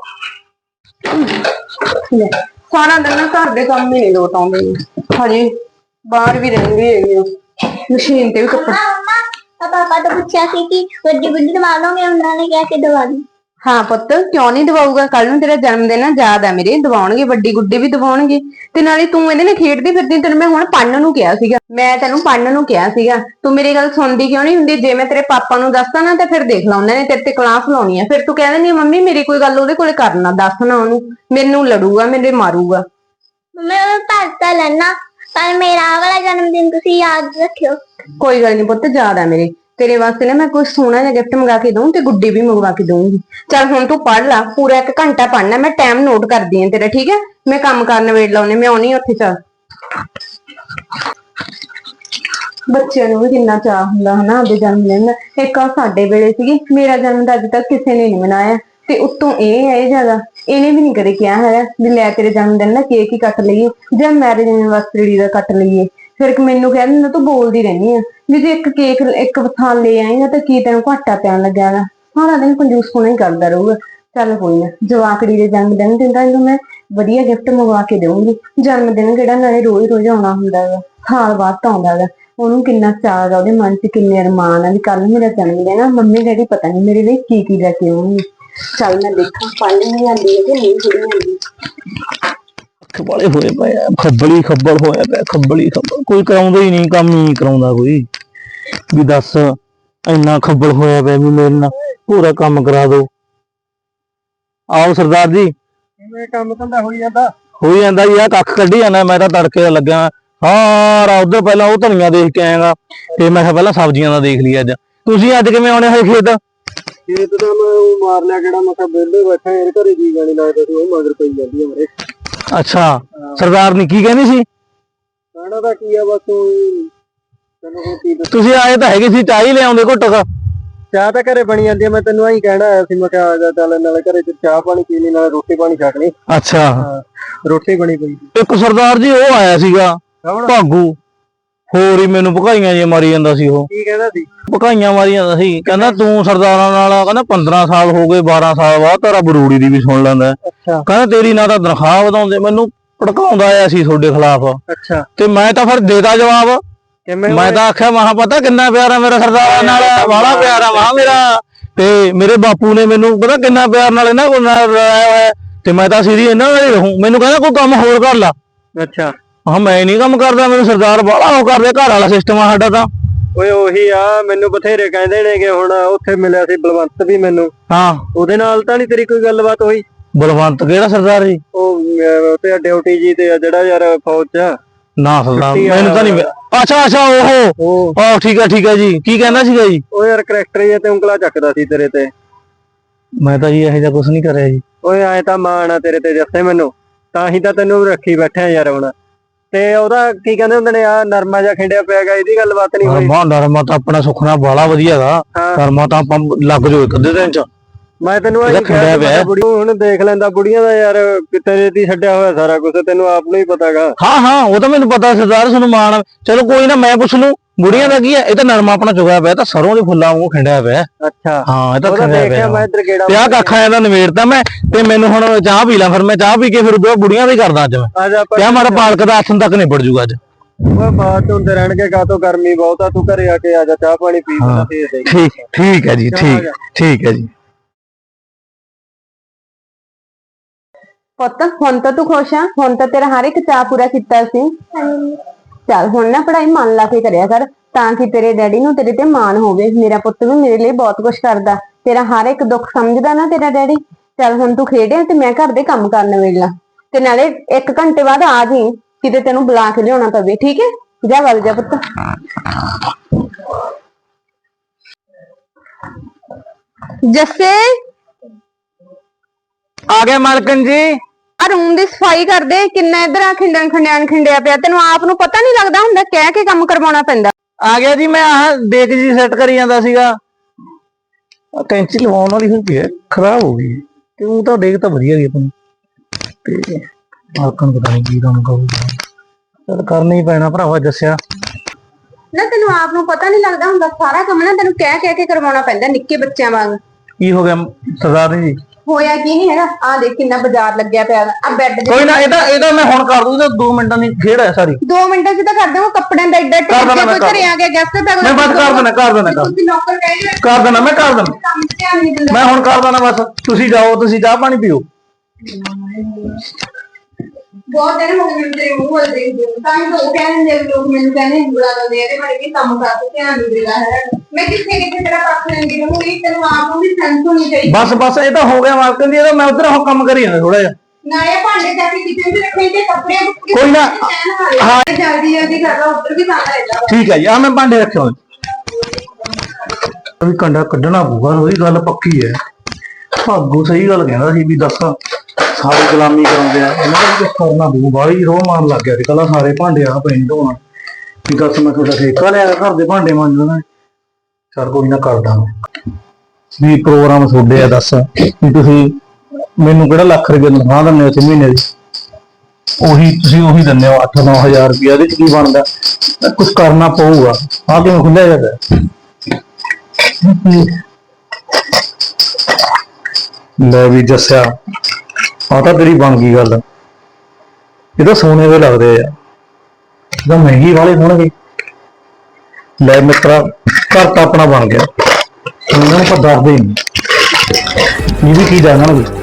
Speaker 1: ਸਾਰਾ ਦਿਨ ਨਾ ਘਰ ਦੇ ਕੰਮ ਹੀ ਨਹੀਂ ਲੋਟ ਆਉਂਦੇ, ਹਜੇ ਬਾਹਰ ਵੀ ਰਹਿੰਦੇ ਹੈਗੇ, ਮਸ਼ੀਨ ਤੇ ਵੀ ਕੱਪੜੇ।
Speaker 6: ਪਾਪਾ ਤੋਂ ਪੁੱਛਿਆ ਸੀ ਕਿ ਵੱਡੀ ਗੁੱਡੀ ਦਵਾ ਲੋਗੇ, ਉਹਨਾਂ ਨੇ ਕਿਹਾ ਕਿ ਦਵਾ ਦੀ।
Speaker 1: ਹਾਂ ਪੁੱਤ, ਕਿਉਂ ਨਹੀਂ ਦਵਾਊਗਾ? ਕੱਲ ਨੂੰ ਤੇਰਾ ਜਨਮ ਦਿਨ ਆ, ਯਾਦ ਆ ਮੇਰੇ, ਦਵਾਉਣਗੇ, ਵੱਡੀ ਗੁੱਡੀ ਵੀ ਦਵਾਉਣਗੇ। ਤੇ ਨਾਲੇ ਤੂੰ ਇਹਦੇ ਨਾਲ ਖੇਡਦੀ ਫਿਰਦੀ, ਤੈਨੂੰ ਮੈਂ ਹੁਣ ਪੜਨ ਨੂੰ ਕਿਹਾ ਸੀਗਾ, ਮੈਂ ਤੈਨੂੰ ਪੜਨ ਨੂੰ ਕਿਹਾ ਸੀਗਾ, ਤੂੰ ਮੇਰੀ ਗੱਲ ਸੁਣਦੀ ਕਿਉਂ ਨਹੀਂ ਹੁੰਦੀ? ਜੇ ਮੈਂ ਤੇਰੇ ਪਾਪਾ ਨੂੰ ਦੱਸਦਾ ਨਾ, ਤਾਂ ਫਿਰ ਦੇਖ ਲਾ ਉਹਨਾਂ ਨੇ ਤੇਰੇ ਤੇ ਕਲਾਸ ਲਾਉਣੀ ਆ, ਫਿਰ ਤੂੰ ਕਹਿ ਦਿੰਦੀ ਮੰਮੀ ਮੇਰੀ ਕੋਈ ਗੱਲ ਉਹਦੇ ਕੋਲੇ ਕਰਨਾ, ਦੱਸਣਾ ਉਹਨੂੰ, ਮੈਨੂੰ ਲੜੂਗਾ, ਮੇਰੇ ਮਾਰੂਗਾ।
Speaker 6: ਮੈਂ ਉਹ ਭਰ ਤਾਂ ਲੈਣਾ, ਪਰ ਮੇਰਾ ਵਾਲਾ ਜਨਮ ਦਿਨ ਤੁਸੀਂ ਯਾਦ ਰੱਖਿਓ।
Speaker 1: ਕੋਈ ਗੱਲ ਨਹੀਂ ਪੁੱਤ, ਯਾਦ ਆ ਮੇਰੇ। ਤੇਰੇ ਵਾਸਤੇ ਨਾ ਮੈਂ ਕੋਈ ਸੋਹਣਾ ਜਿਹਾ ਗਿਫਟ ਮੰਗਾ ਕੇ ਦਊਂ, ਤੇ ਗੁੱਡੀ ਵੀ ਮੰਗਵਾ ਕੇ ਦਊਂਗੀ। ਚੱਲ ਹੁਣ ਤੂੰ ਪੜ ਲਾ, ਪੂਰਾ ਇੱਕ ਘੰਟਾ ਪੜਨਾ, ਮੈਂ ਟਾਈਮ ਨੋਟ ਕਰਦੀ ਆਂ ਤੇਰਾ, ਠੀਕ ਹੈ? ਮੈਂ ਕੰਮ ਕਰਨ ਵੇੜ ਲਾਉਣੇ, ਮੈਂ ਆਉਣੀ ਉੱਥੇ। ਚੱਲ ਬੱਚਿਆਂ ਨੂੰ ਵੀ ਕਿੰਨਾ ਚਾਅ ਹੁੰਦਾ ਹਨਾ ਆਪਦੇ ਜਨਮ ਦਿਨ ਦਾ। ਇੱਕ ਆ ਸਾਡੇ ਵੇਲੇ ਸੀਗੀ, ਮੇਰਾ ਜਨਮ ਤਾਂ ਅੱਜ ਤੱਕ ਕਿਸੇ ਨੇ ਨਹੀਂ ਮਨਾਇਆ, ਤੇ ਉੱਤੋਂ ਇਹ ਹੈ ਇਹ ਜਗ੍ਹਾ, ਇਹਨੇ ਵੀ ਨਹੀਂ ਕਦੇ ਕਿਹਾ ਹੈਗਾ ਵੀ ਲੈ ਤੇਰੇ ਜਨਮ ਦਿਨ ਦਾ ਕੇਕ ਹੀ ਕੱਟ ਲਈਏ ਜਾਂ ਮੈਰਿਜ ਐਨਵਰਸਰੀ ਦਾ ਕੱਟ ਲਈਏ। ਫਿਰ ਮੈਨੂੰ ਕਹਿ ਦਿੰਦਾ ਤੂੰ ਬੋਲਦੀ ਰਹਿੰਦੀ ਆ ਵੀ ਜੇ ਇੱਕ ਕੇਕ ਇੱਕ ਥਾਂ ਲੈ ਆਏਗਾ ਤਾਂ ਕੀ ਤੈਨੂੰ ਘਾਟਾ ਪੈਣ ਲੱਗਿਆ ਗਾ, ਸਾਰਾ ਦਿਨ ਕੰਜੂਸ ਹੋਣਾ ਹੀ ਕਰਦਾ ਰਹੂਗਾ। ਚੱਲ ਕੋਈ ਨਾ, ਜਵਾਕੜੀ ਦੇ ਜਨਮ ਦਿਨ ਤੇ ਤਾਂ ਇਹਨੂੰ ਮੈਂ ਵਧੀਆ ਗਿਫਟ ਮੰਗਵਾ ਕੇ ਦੇਵਾਂਗੀ। ਜਨਮ ਦਿਨ ਕਿਹੜਾ ਨਾਲੇ ਰੋਜ਼ ਰੋਜ਼ ਆਉਣਾ ਹੁੰਦਾ ਗਾ, ਸਾਲ ਬਾਅਦ ਤਾਂ ਆਉਂਦਾ ਗਾ। ਉਹਨੂੰ ਕਿੰਨਾ ਚਾਅ ਗਾ, ਉਹਦੇ ਮਨ 'ਚ ਕਿੰਨੇ ਅਰਮਾਨ ਆ ਵੀ ਕੱਲ ਮੇਰਾ ਜਨਮ ਦਿਨ ਆ, ਮੰਮੀ ਡੈਡੀ ਪਤਾ ਨਹੀਂ ਮੇਰੇ ਲਈ ਕੀ ਕੀ ਲੈ ਕੇ ਆਉਣਗੇ। ਚੱਲ ਮੈਂ ਦੇਖਾਂ ਪੜ੍ਹ ਨਹੀਂ ਆਉਂਦੀ ਹੈ ਕਿ ਨਹੀਂ ਪੜ੍ਹੀ ਆਉਂਦੀ।
Speaker 4: ਵਾਲੇ ਹੋਏ ਪਏ ਆ, ਖੱਬਲੀ ਖੱਬਲ ਹੋਇਆ ਪਿਆ, ਖੱਬਲੀ ਖੱਬਲ, ਕੋਈ ਕਰਾਉਂਦਾ ਹੀ ਨਹੀਂ, ਕੰਮ ਹੀ ਨਹੀਂ ਕਰਾਉਂਦਾ ਕੋਈ। ਵੀ ਦੱਸ ਇੰਨਾ ਖੱਬਲ ਹੋਇਆ ਪਿਆ ਵੀ ਮੇਰੇ ਨਾਲ ਪੂਰਾ ਕੰਮ ਕਰਾ ਦੋ। ਆਓ ਸਰਦਾਰ ਜੀ।
Speaker 2: ਕਿਵੇਂ ਕੰਮ ਧੰਦਾ ਹੋਈ ਜਾਂਦਾ?
Speaker 4: ਹੋਈ ਜਾਂਦਾ ਜੀ, ਆ ਕੱਖ ਕੱਢੀ ਜਾਂਦਾ, ਮੈਂ ਤਾਂ ਤੜਕੇ ਦਾ ਲੱਗਿਆ ਸਾਰਾ। ਉਧਰ ਪਹਿਲਾਂ ਉਹ ਧਨੀਆ ਦੇਖ ਕੇ ਆਏਗਾ, ਤੇ ਮੈਂ ਕਿਹਾ ਪਹਿਲਾਂ ਸਬਜ਼ੀਆਂ ਦਾ ਦੇਖ ਲਈ। ਅੱਜ ਤੁਸੀਂ ਅੱਜ ਕਿਵੇਂ ਆਉਣੇ ਹੋਏ ਖੇਤ?
Speaker 2: ਖੇਤ ਤਾਂ ਮੈਂ ਉਹ ਮਾਰ ਲਿਆ ਕਿਹੜਾ, ਮੈਂ ਕਿਹਾ ਵਿਹਲੇ ਬੈਠਾ ਯਾਰ, ਘਰੇ ਜੀ ਗਾਣੀ ਲੱਗਦਾ ਸੀ, ਉਹ ਮਗਰ ਪਈ ਜਾਂਦੀ ਆ ਮੇਰੇ।
Speaker 4: ਅੱਛਾ, ਸਰਦਾਰ ਨੀ ਕੀ ਕਹਿੰਦੀ ਸੀ?
Speaker 2: ਕਹਿਣਾ ਤਾਂ ਕੀ ਆ, ਬਸ ਤੈਨੂੰ ਕੋਈ ਕੀ ਦੱਸਾਂ।
Speaker 4: ਤੁਸੀਂ ਆਏ ਤਾਂ ਹੈਗੇ ਸੀ, ਚਾਹ ਹੀ ਲਿਆਉਂਦੇ ਘੁੱਟ ਕ।
Speaker 2: ਚਾਹ ਤਾਂ ਘਰੇ ਬਣੀ ਜਾਂਦੀ ਆ, ਮੈਂ ਤੈਨੂੰ ਆਹੀ ਕਹਿਣਾ ਆਇਆ ਸੀ, ਮੈਂ ਕਿਹਾ ਆ ਜਾ ਚੱਲ, ਨਾਲੇ ਘਰੇ ਚ ਚਾਹ ਪਾਣੀ ਪੀ ਲਈ, ਨਾਲੇ ਰੋਟੀ ਪਾਣੀ ਛਕ ਲਈ।
Speaker 4: ਅੱਛਾ,
Speaker 2: ਰੋਟੀ ਬਣੀ ਪਈ।
Speaker 4: ਇੱਕ ਸਰਦਾਰ ਜੀ ਉਹ ਆਇਆ ਸੀਗਾ ਭਾਗੂ, ਹੋਰ ਹੀ ਮੈਨੂੰ ਭਕਾਈਆਂ ਜੇ ਮਾਰੀ ਜਾਂਦਾ ਸੀ। ਉਹ
Speaker 2: ਕੀ ਕਹਿੰਦਾ ਸੀ?
Speaker 4: ਭਕਾਈਆਂ ਮਾਰੀ ਜਾਂਦਾ ਸੀ, ਕਹਿੰਦਾ ਤੂੰ ਸਰਦਾਰਾਂ ਨਾਲ, ਕਹਿੰਦਾ ਪੰਦਰਾਂ ਸਾਲ ਹੋ ਗਏ, ਬਾਰਾਂ ਸਾਲ ਬਾਅਦ ਤੇਰਾ ਬਰੂੜੀ ਦੀ ਵੀ ਸੁਣ ਲੈਂਦਾ।
Speaker 2: ਅੱਛਾ।
Speaker 4: ਕਹਿੰਦਾ ਤੇਰੀ ਨਾ ਤਾਂ ਤਨਖਾਹ ਵਧਾਉਂਦੇ, ਮੈਨੂੰ ਭੜਕਾਉਂਦਾ ਆਇਆ ਸੀ ਤੁਹਾਡੇ ਖਿਲਾਫ।
Speaker 2: ਅੱਛਾ।
Speaker 4: ਤੇ ਮੈਂ ਤਾਂ ਫਿਰ ਦੇਤਾ ਜਵਾਬ, ਮੈਂ ਤਾਂ ਆਖਿਆ ਮਹਾ ਪਤਾ ਕਿੰਨਾ ਪਿਆਰ ਆ ਮੇਰਾ ਸਰਦਾਰਾਂ ਨਾਲ, ਵਾਲਾ ਪਿਆਰ ਆ ਮਹਾ ਮੇਰਾ। ਤੇ ਮੇਰੇ ਬਾਪੂ ਨੇ ਮੈਨੂੰ ਪਤਾ ਕਿੰਨਾ ਪਿਆਰ ਨਾਲ ਇਹਨਾਂ ਕੋਲ ਲਾਇਆ ਹੋਇਆ, ਤੇ ਮੈਂ ਤਾਂ ਸਿੱਧੀ ਇਹਨਾਂ ਨਾਲ ਹੀ ਰਹੂੰ। ਮੈਨੂੰ ਕਹਿੰਦਾ ਕੋਈ ਕੰਮ ਹੋਰ ਕਰ ਲਾ।
Speaker 2: ਅੱਛਾ।
Speaker 4: ਹਾਂ ਮੈਂ ਨਹੀਂ ਕੰਮ ਕਰਦਾ, ਮੈਨੂੰ ਸਰਦਾਰ ਬਾਹਲਾ ਉਹ ਕਰਦੇ, ਘਰ ਵਾਲਾ ਸਿਸਟਮ ਆ ਸਾਡਾ ਤਾਂ।
Speaker 2: ਓਏ ਉਹੀ ਆ, ਮੈਨੂੰ ਬਥੇਰੇ ਕਹਿੰਦੇ ਨੇਗੇ। ਹੁਣ ਉੱਥੇ ਮਿਲਿਆ ਸੀ ਬਲਵੰਤ ਵੀ ਮੈਨੂੰ,
Speaker 4: ਹਾਂ
Speaker 2: ਉਹਦੇ ਨਾਲ ਤਾਂ ਨਹੀਂ ਤੇਰੀ ਕੋਈ ਗੱਲਬਾਤ ਹੋਈ?
Speaker 4: ਬਲਵੰਤ ਕਿਹੜਾ ਸਰਦਾਰ ਜੀ?
Speaker 2: ਉਹ ਤੇ ਡਿਊਟੀ ਜੀ ਤੇ ਜਿਹੜਾ ਯਾਰ ਫੌਜ ਚ।
Speaker 4: ਨਾ ਸਰਦਾਰ ਮੈਨੂੰ ਤਾਂ ਨਹੀਂ। ਅੱਛਾ ਅੱਛਾ, ਉਹ ਆਹ ਠੀਕ ਆ ਠੀਕ ਆ ਜੀ। ਕੀ ਕਹਿੰਦਾ ਸੀਗਾ ਜੀ?
Speaker 2: ਉਹ ਯਾਰ ਕਰੈਕਟਰ ਜੇ ਤੇ ਉਂਗਲਾ ਚੱਕਦਾ ਸੀ ਤੇਰੇ ਤੇ।
Speaker 4: ਮੈਂ ਤਾਂ ਜੀ ਇਹੋ ਜਿਹਾ ਕੁਛ ਨਹੀਂ ਕਰਿਆ ਜੀ।
Speaker 2: ਓਏ ਐ ਤਾਂ ਮਾਣ ਆ ਤੇਰੇ ਤੇ ਜੱਸੇ ਮੈਨੂੰ, ਤਾਂ ਹੀ ਤਾਂ ਤੈਨੂੰ ਰੱਖੀ ਬੈਠਾ ਯਾਰ ਹੁਣ। ਤੇ ਉਹਦਾ ਕੀ ਕਹਿੰਦੇ ਹੁੰਦੇ ਨੇ, ਆ ਨਰਮਾ ਜਿਹਾ ਖਿੰਡਿਆ ਪਿਆ ਗਾ, ਇਹਦੀ ਗੱਲਬਾਤ ਨਹੀਂ ਹੋਈ?
Speaker 4: ਨਰਮਾ ਨਰਮਾ ਤਾਂ ਆਪਣਾ ਸੁਖਣਾ ਬਾਲਾ ਵਧੀਆ ਗਾ। ਨਰਮਾ ਤਾਂ ਆਪਾਂ ਲੱਗ ਜੋ ਇੱਕ ਅੱਧੇ ਦਿਨ ਚ।
Speaker 2: ਮੈਂ ਤੈਨੂੰ
Speaker 5: ਇਹਦਾ
Speaker 2: ਆਹੀ ਕਿਹਾ
Speaker 5: ਖੰਡਿਆ
Speaker 2: ਸੀ, ਮੈਂ
Speaker 5: ਪਿਆ।
Speaker 2: ਬੁੜੀ ਨੂੰ ਹੁਣ ਦੇਖ ਲੈਂਦਾ ਬੁੜੀਆਂ ਦਾ ਯਾਰ, ਕਿਤੇ ਦੀ ਛੱਡਿਆ ਹੋਇਆ ਸਾਰਾ ਕੁਝ, ਤੈਨੂੰ ਆਪ ਨੂੰ ਹੀ ਪਤਾਗਾ।
Speaker 5: ਹਾਂ ਹਾਂ ਉਹ ਤਾਂ ਮੈਨੂੰ ਪਤਾ ਸਰਦਾਰ ਤੁਹਾਨੂੰ ਮਾਣ। ਚਲੋ ਕੋਈ ਨਾ, ਮੈਂ ਪੁੱਛ ਲੂ ਬੁੜੀਆਂ ਦਾ ਕੀ ਹੈ। ਇਹ ਤਾਂ ਨਰਮਾ ਆਪਣਾ ਚੁਗਿਆ ਪਿਆ, ਤਾਂ ਸਰੋਂ ਦੇ ਫੁੱਲਾਂ ਵਾਂਗੂ ਖਿੰਡਿਆ ਪਿਆ।
Speaker 2: ਅੱਛਾ
Speaker 5: ਹਾਂ ਇਹ ਤਾਂ
Speaker 2: ਉਹਦਾ
Speaker 5: ਖਿੰਡਿਆ
Speaker 2: ਦੇਖਿਆ
Speaker 5: ਪਿਆ।
Speaker 2: ਮੈਂ ਇੱਧਰ ਗੇੜਾ
Speaker 5: ਤੇ ਆਹ ਕੱਖਾਂ ਇਹਦਾ ਨਵੇੜਤਾ ਮੈਂ, ਤੇ ਮੈਨੂੰ ਹੁਣ ਚਾਹ ਪੀ ਲਾਂ, ਫਿਰ ਮੈਂ ਚਾਹ ਪੀ ਕੇ ਫਿਰ ਉਹ ਬੁੜੀਆਂ ਦਾ ਹੀ ਕਰਦਾ ਅੱਜ ਮੈਂ।
Speaker 2: ਅੱਜ ਆਪਾਂ
Speaker 5: ਤੇ ਆਹ ਮਾਰਾ ਪਾਲਕ ਦਾ ਆਥਣ ਤੱਕ ਨਿਬੜ ਜੂਗਾ ਅੱਜ।
Speaker 2: ਉਹ ਬਾਤ ਹੁੰਦੇ ਰਹਿਣਗੇ, ਕਾਹਤੋਂ ਗਰਮੀ ਬਹੁਤ ਆ, ਤੂੰ ਘਰੇ ਆ ਕੇ ਆ ਜਾ, ਚਾਹ ਪਾਣੀ ਪੀ ਕੇ ਫੇਰ ਦੇ।
Speaker 5: ਠੀਕ ਠੀਕ ਹੈ ਜੀ, ਠੀਕ ਠੀਕ ਹੈ ਜੀ।
Speaker 1: ਪੁੱਤ ਹੁਣ ਤਾਂ ਤੂੰ ਖੁਸ਼ ਆ, ਹੁਣ ਤਾਂ ਤੇਰਾ ਹਰ ਇੱਕ ਚਾਅ ਪੂਰਾ ਕੀਤਾ ਸੀ। ਚੱਲ ਹੁਣ ਨਾ ਪੜ੍ਹਾਈ ਮਨ ਲਾ ਕੇ ਕਰਿਆ ਕਰ, ਤਾਂ ਕਿ ਤੇਰੇ ਡੈਡੀ ਨੂੰ ਤੇਰੇ ਤੇ ਮਾਣ ਹੋਵੇ। ਮੇਰਾ ਪੁੱਤ ਵੀ ਮੇਰੇ ਲਈ ਬਹੁਤ ਕੁਝ ਕਰਦਾ, ਤੇਰਾ ਹਰ ਇੱਕ ਦੁੱਖ ਸਮਝਦਾ ਨਾ ਤੇਰਾ ਡੈਡੀ। ਚੱਲ ਹੁਣ ਤੂੰ ਖੇਡਿਆ ਤੇ ਮੈਂ ਘਰ ਦੇ ਕੰਮ ਕਰਨ ਵੇਲਾ, ਤੇ ਨਾਲੇ ਇੱਕ ਘੰਟੇ ਬਾਅਦ ਆ ਜੀ, ਕਿਤੇ ਤੈਨੂੰ ਬੁਲਾ ਕੇ ਲਿਆਉਣਾ ਪਵੇ, ਠੀਕ ਹੈ? ਜਾ ਵਗ ਜਾ ਪੁੱਤ। ਜੱਸੇ
Speaker 5: ਆ ਗਿਆ ਮਾਲਕਨ ਜੀ।
Speaker 1: ਆ ਰੂਮ ਦੀ ਸਫਾਈ ਕਰ ਦੇ, ਕਿੰਨਾ ਇਧਰ ਆ ਖਿੰਡਣ ਖੰਡਿਆਣ ਖਿੰਡਿਆ ਪਿਆ, ਤੈਨੂੰ ਆਪ ਨੂੰ ਪਤਾ ਨਹੀਂ ਲੱਗਦਾ ਹੁੰਦਾ, ਕਹਿ ਕੇ ਕੰਮ ਕਰਵਾਉਣਾ ਪੈਂਦਾ।
Speaker 5: ਆ ਗਿਆ ਜੀ, ਮੈਂ ਆਹ ਦੇਖ ਜੀ ਸੈੱਟ ਕਰੀ ਜਾਂਦਾ ਸੀਗਾ। ਆ ਕੈਂਚੀ ਲਵਾਉਣ ਵਾਲੀ ਹੁੰਦੀ ਹੈ, ਖਰਾਬ ਹੋ ਗਈ। ਤੇ ਉਹ ਤਾਂ ਦੇਖ ਤਾਂ ਵਧੀਆ ਗਈ ਆਪਣੀ, ਤੇ ਮਾਲਕਨ ਪਤਾ ਨਹੀਂ ਕੀ ਕੰਮ ਕਰੂਗਾ। ਚਲ ਕਰਨਾ ਹੀ ਪੈਣਾ ਭਰਾਵਾ ਦੱਸਿਆ।
Speaker 1: ਨਾ ਤੈਨੂੰ ਆਪ ਨੂੰ ਪਤਾ ਨਹੀਂ ਲੱਗਦਾ ਹੁੰਦਾ, ਸਾਰਾ ਕੰਮ ਨਾ ਤੈਨੂੰ ਕਹਿ ਕਹਿ ਕੇ ਕਰਵਾਉਣਾ ਪੈਂਦਾ, ਨਿੱਕੇ ਬੱਚਿਆਂ ਵਾਂਗ।
Speaker 5: ਕੀ ਹੋ ਗਿਆ ਸਰਦਾਰ ਜੀ?
Speaker 1: ਹੋਇਆ ਕੀ ਨਹੀਂ ਹੈਗਾ, ਆ ਦੇਖ ਕਿੰਨਾ ਬਾਜ਼ਾਰ ਲੱਗਿਆ ਪਿਆ, ਆ ਬੈੱਡ
Speaker 5: ਕੋਈ ਨਾ, ਇਹਦਾ ਇਹਦਾ ਮੈਂ ਹੁਣ ਕਰ ਦੂੰ, ਇਹਦਾ ਦੋ ਮਿੰਟਾਂ ਦੀ ਖੇਡ ਹੈ ਸਾਰੀ।
Speaker 1: ਦੋ ਮਿੰਟਾਂ ਚ ਤਾਂ ਕਰ ਦੇਵਾਂ, ਕੱਪੜਿਆਂ ਦਾ ਐਡਾ
Speaker 5: ਕਰ ਦੇਣਾ,
Speaker 1: ਟੇਕ
Speaker 5: ਮੈਂ
Speaker 1: ਕੋਈ ਘਰੇ ਆ ਗਿਆ ਗੈਸਟ ਤਾਂ
Speaker 5: ਮੈਂ ਬਸ ਕਰ ਦੇਣਾ ਕਰ ਦੇਣਾ ਕਰ
Speaker 1: ਤੁਸੀਂ ਨੌਕਰ ਕਹਿ ਰਹੇ
Speaker 5: ਕਰ ਦੇਣਾ ਮੈਂ ਕਰ ਦੇਣਾ
Speaker 1: ਕੰਮ ਤੇ ਧਿਆਨ ਨਹੀਂ ਦਿੰਦਾ।
Speaker 5: ਮੈਂ ਹੁਣ ਕਰ ਦੇਣਾ ਬਸ। ਤੁਸੀਂ ਜਾਓ, ਤੁਸੀਂ ਚਾਹ ਪਾਣੀ ਪੀਓ।
Speaker 1: ਬਹੁਤ ਦਿਨ ਹੋ ਗਏ ਮੈਨੂੰ ਤੇਰੇ ਮੂੰਹ ਵੱਲ ਦੇਖਦੇ ਨੂੰ, ਤਾਂ ਹੀ ਤਾਂ ਉਹ ਕਹਿੰਦੇ ਨੇ ਲੋਕ, ਮੈਨੂੰ ਕਹਿੰਦੇ ਉਂਗਲਾਂ ਲਾਉਂਦੇ ਇਹਦੇ ਬਾਰੇ ਵੀ ਕੰਮ ਕਰ ਤੇ ਧਿਆਨ ਨਹੀਂ ਦਿੰਦਾ ਹੈ। ਮੈਂ ਕਿੱਥੇ ਕਿੱਥੇ ਤੇਰਾ ਪੱਖ ਲੈਂਦੀ ਰਹੂੰਗੀ, ਤੈਨੂੰ ਆਪ ਨੂੰ ਵੀ ਸੈਂਸ ਹੋਣੀ ਚਾਹੀਦੀ।
Speaker 5: ਬਸ ਬਸ ਇਹ ਤਾਂ ਹੋ ਗਿਆ ਮਾਲਕਨ ਦੀ, ਇਹਦਾ ਮੈਂ ਉਧਰ ਉਹ ਕੰਮ ਕਰੀ ਜਾਂਦਾ ਥੋੜਾ ਜਿਹਾ।
Speaker 1: ਨਾਲੇ ਭਾਂਡੇ ਜਾ ਕੇ ਕਿਚਨ 'ਚ ਰੱਖੇ ਤੇ ਕੱਪੜੇ
Speaker 5: ਕੋਈ ਨਾ,
Speaker 1: ਹਾਂ ਜਲਦੀ ਜਲਦੀ ਕਰਦਾ, ਉੱਧਰ ਵੀ ਕੰਮ ਰਹਿੰਦਾ।
Speaker 5: ਠੀਕ ਹੈ ਜੀ, ਆ ਮੈਂ ਭਾਂਡੇ ਰੱਖੇ ਹੋਏ ਵੀ ਕੰਡਾ ਕੱਢਣਾ ਪਊਗਾ, ਉਹਦੀ ਗੱਲ ਪੱਕੀ ਹੈ। ਭਾਗੂ ਸਹੀ ਗੱਲ ਕਹਿੰਦਾ ਸੀ ਵੀ ਦੱਸ ਸਾਰੇ ਗੁਲਾਮੀ ਕਰਾਉਂਦੇ ਆ, ਇਹਨਾਂ ਦਾ ਵੀ ਕੁਛ ਕਰਨਾ ਪਊ। ਬਾਹਲੀ ਰੋਹ ਮਾਰਨ ਲੱਗ ਗਿਆ ਸੀ ਕੱਲਾ, ਸਾਰੇ ਭਾਂਡੇ ਆ ਪਏ ਧੋਣ ਵੀ ਦੱਸ ਮੈਂ ਤੁਹਾਡਾ ਠੇਕਾ ਲਿਆ ਘਰ ਦੇ ਭਾਂਡੇ ਮਾਂਜਣਾ। ਚੱਲ ਕੋਈ ਨਾ ਕਰਦਾ ਵੀ ਪ੍ਰੋਗਰਾਮ ਤੁਹਾਡੇ ਆ, ਦੱਸ ਵੀ ਤੁਸੀਂ ਮੈਨੂੰ ਕਿਹੜਾ ਲੱਖ ਰੁਪਏ ਤਨਖਾਹ ਦਿੰਦੇ ਹੋ ਮਹੀਨੇ ਦੀ, ਉਹੀ ਤੁਸੀਂ ਉਹੀ ਦਿੰਦੇ ਹੋ ਅੱਠ ਨੌ ਹਜ਼ਾਰ ਰੁਪਇਆ, ਇਹਦੇ ਚ ਕੀ ਬਣਦਾ? ਕੁਛ ਕਰਨਾ ਪਊਗਾ। ਆ ਕਿਵੇਂ ਖੁੱਲਿਆ ਜਾਂਦਾ? ਲੈ ਵੀ ਦੱਸਿਆ, ਆ ਤਾਂ ਤੇਰੀ ਬਣ ਗਈ ਗੱਲ। ਇਹ ਤਾਂ ਸੋਨੇ ਦੇ ਲੱਗਦੇ ਆ, ਇਹਦਾ ਮਹਿੰਗੀ ਵਾਲੇ ਹੋਣਗੇ। ਲੈ ਮਿੱਤਰਾ, ਘਰ ਤਾਂ ਆਪਣਾ ਬਣ ਗਿਆ, ਇਹਨਾਂ ਨੂੰ ਆਪਾਂ ਦੱਸਦੇ ਹੀ ਨਹੀਂ। ਇਹ ਵੀ ਕੀ ਜਾਣਨਗੇ।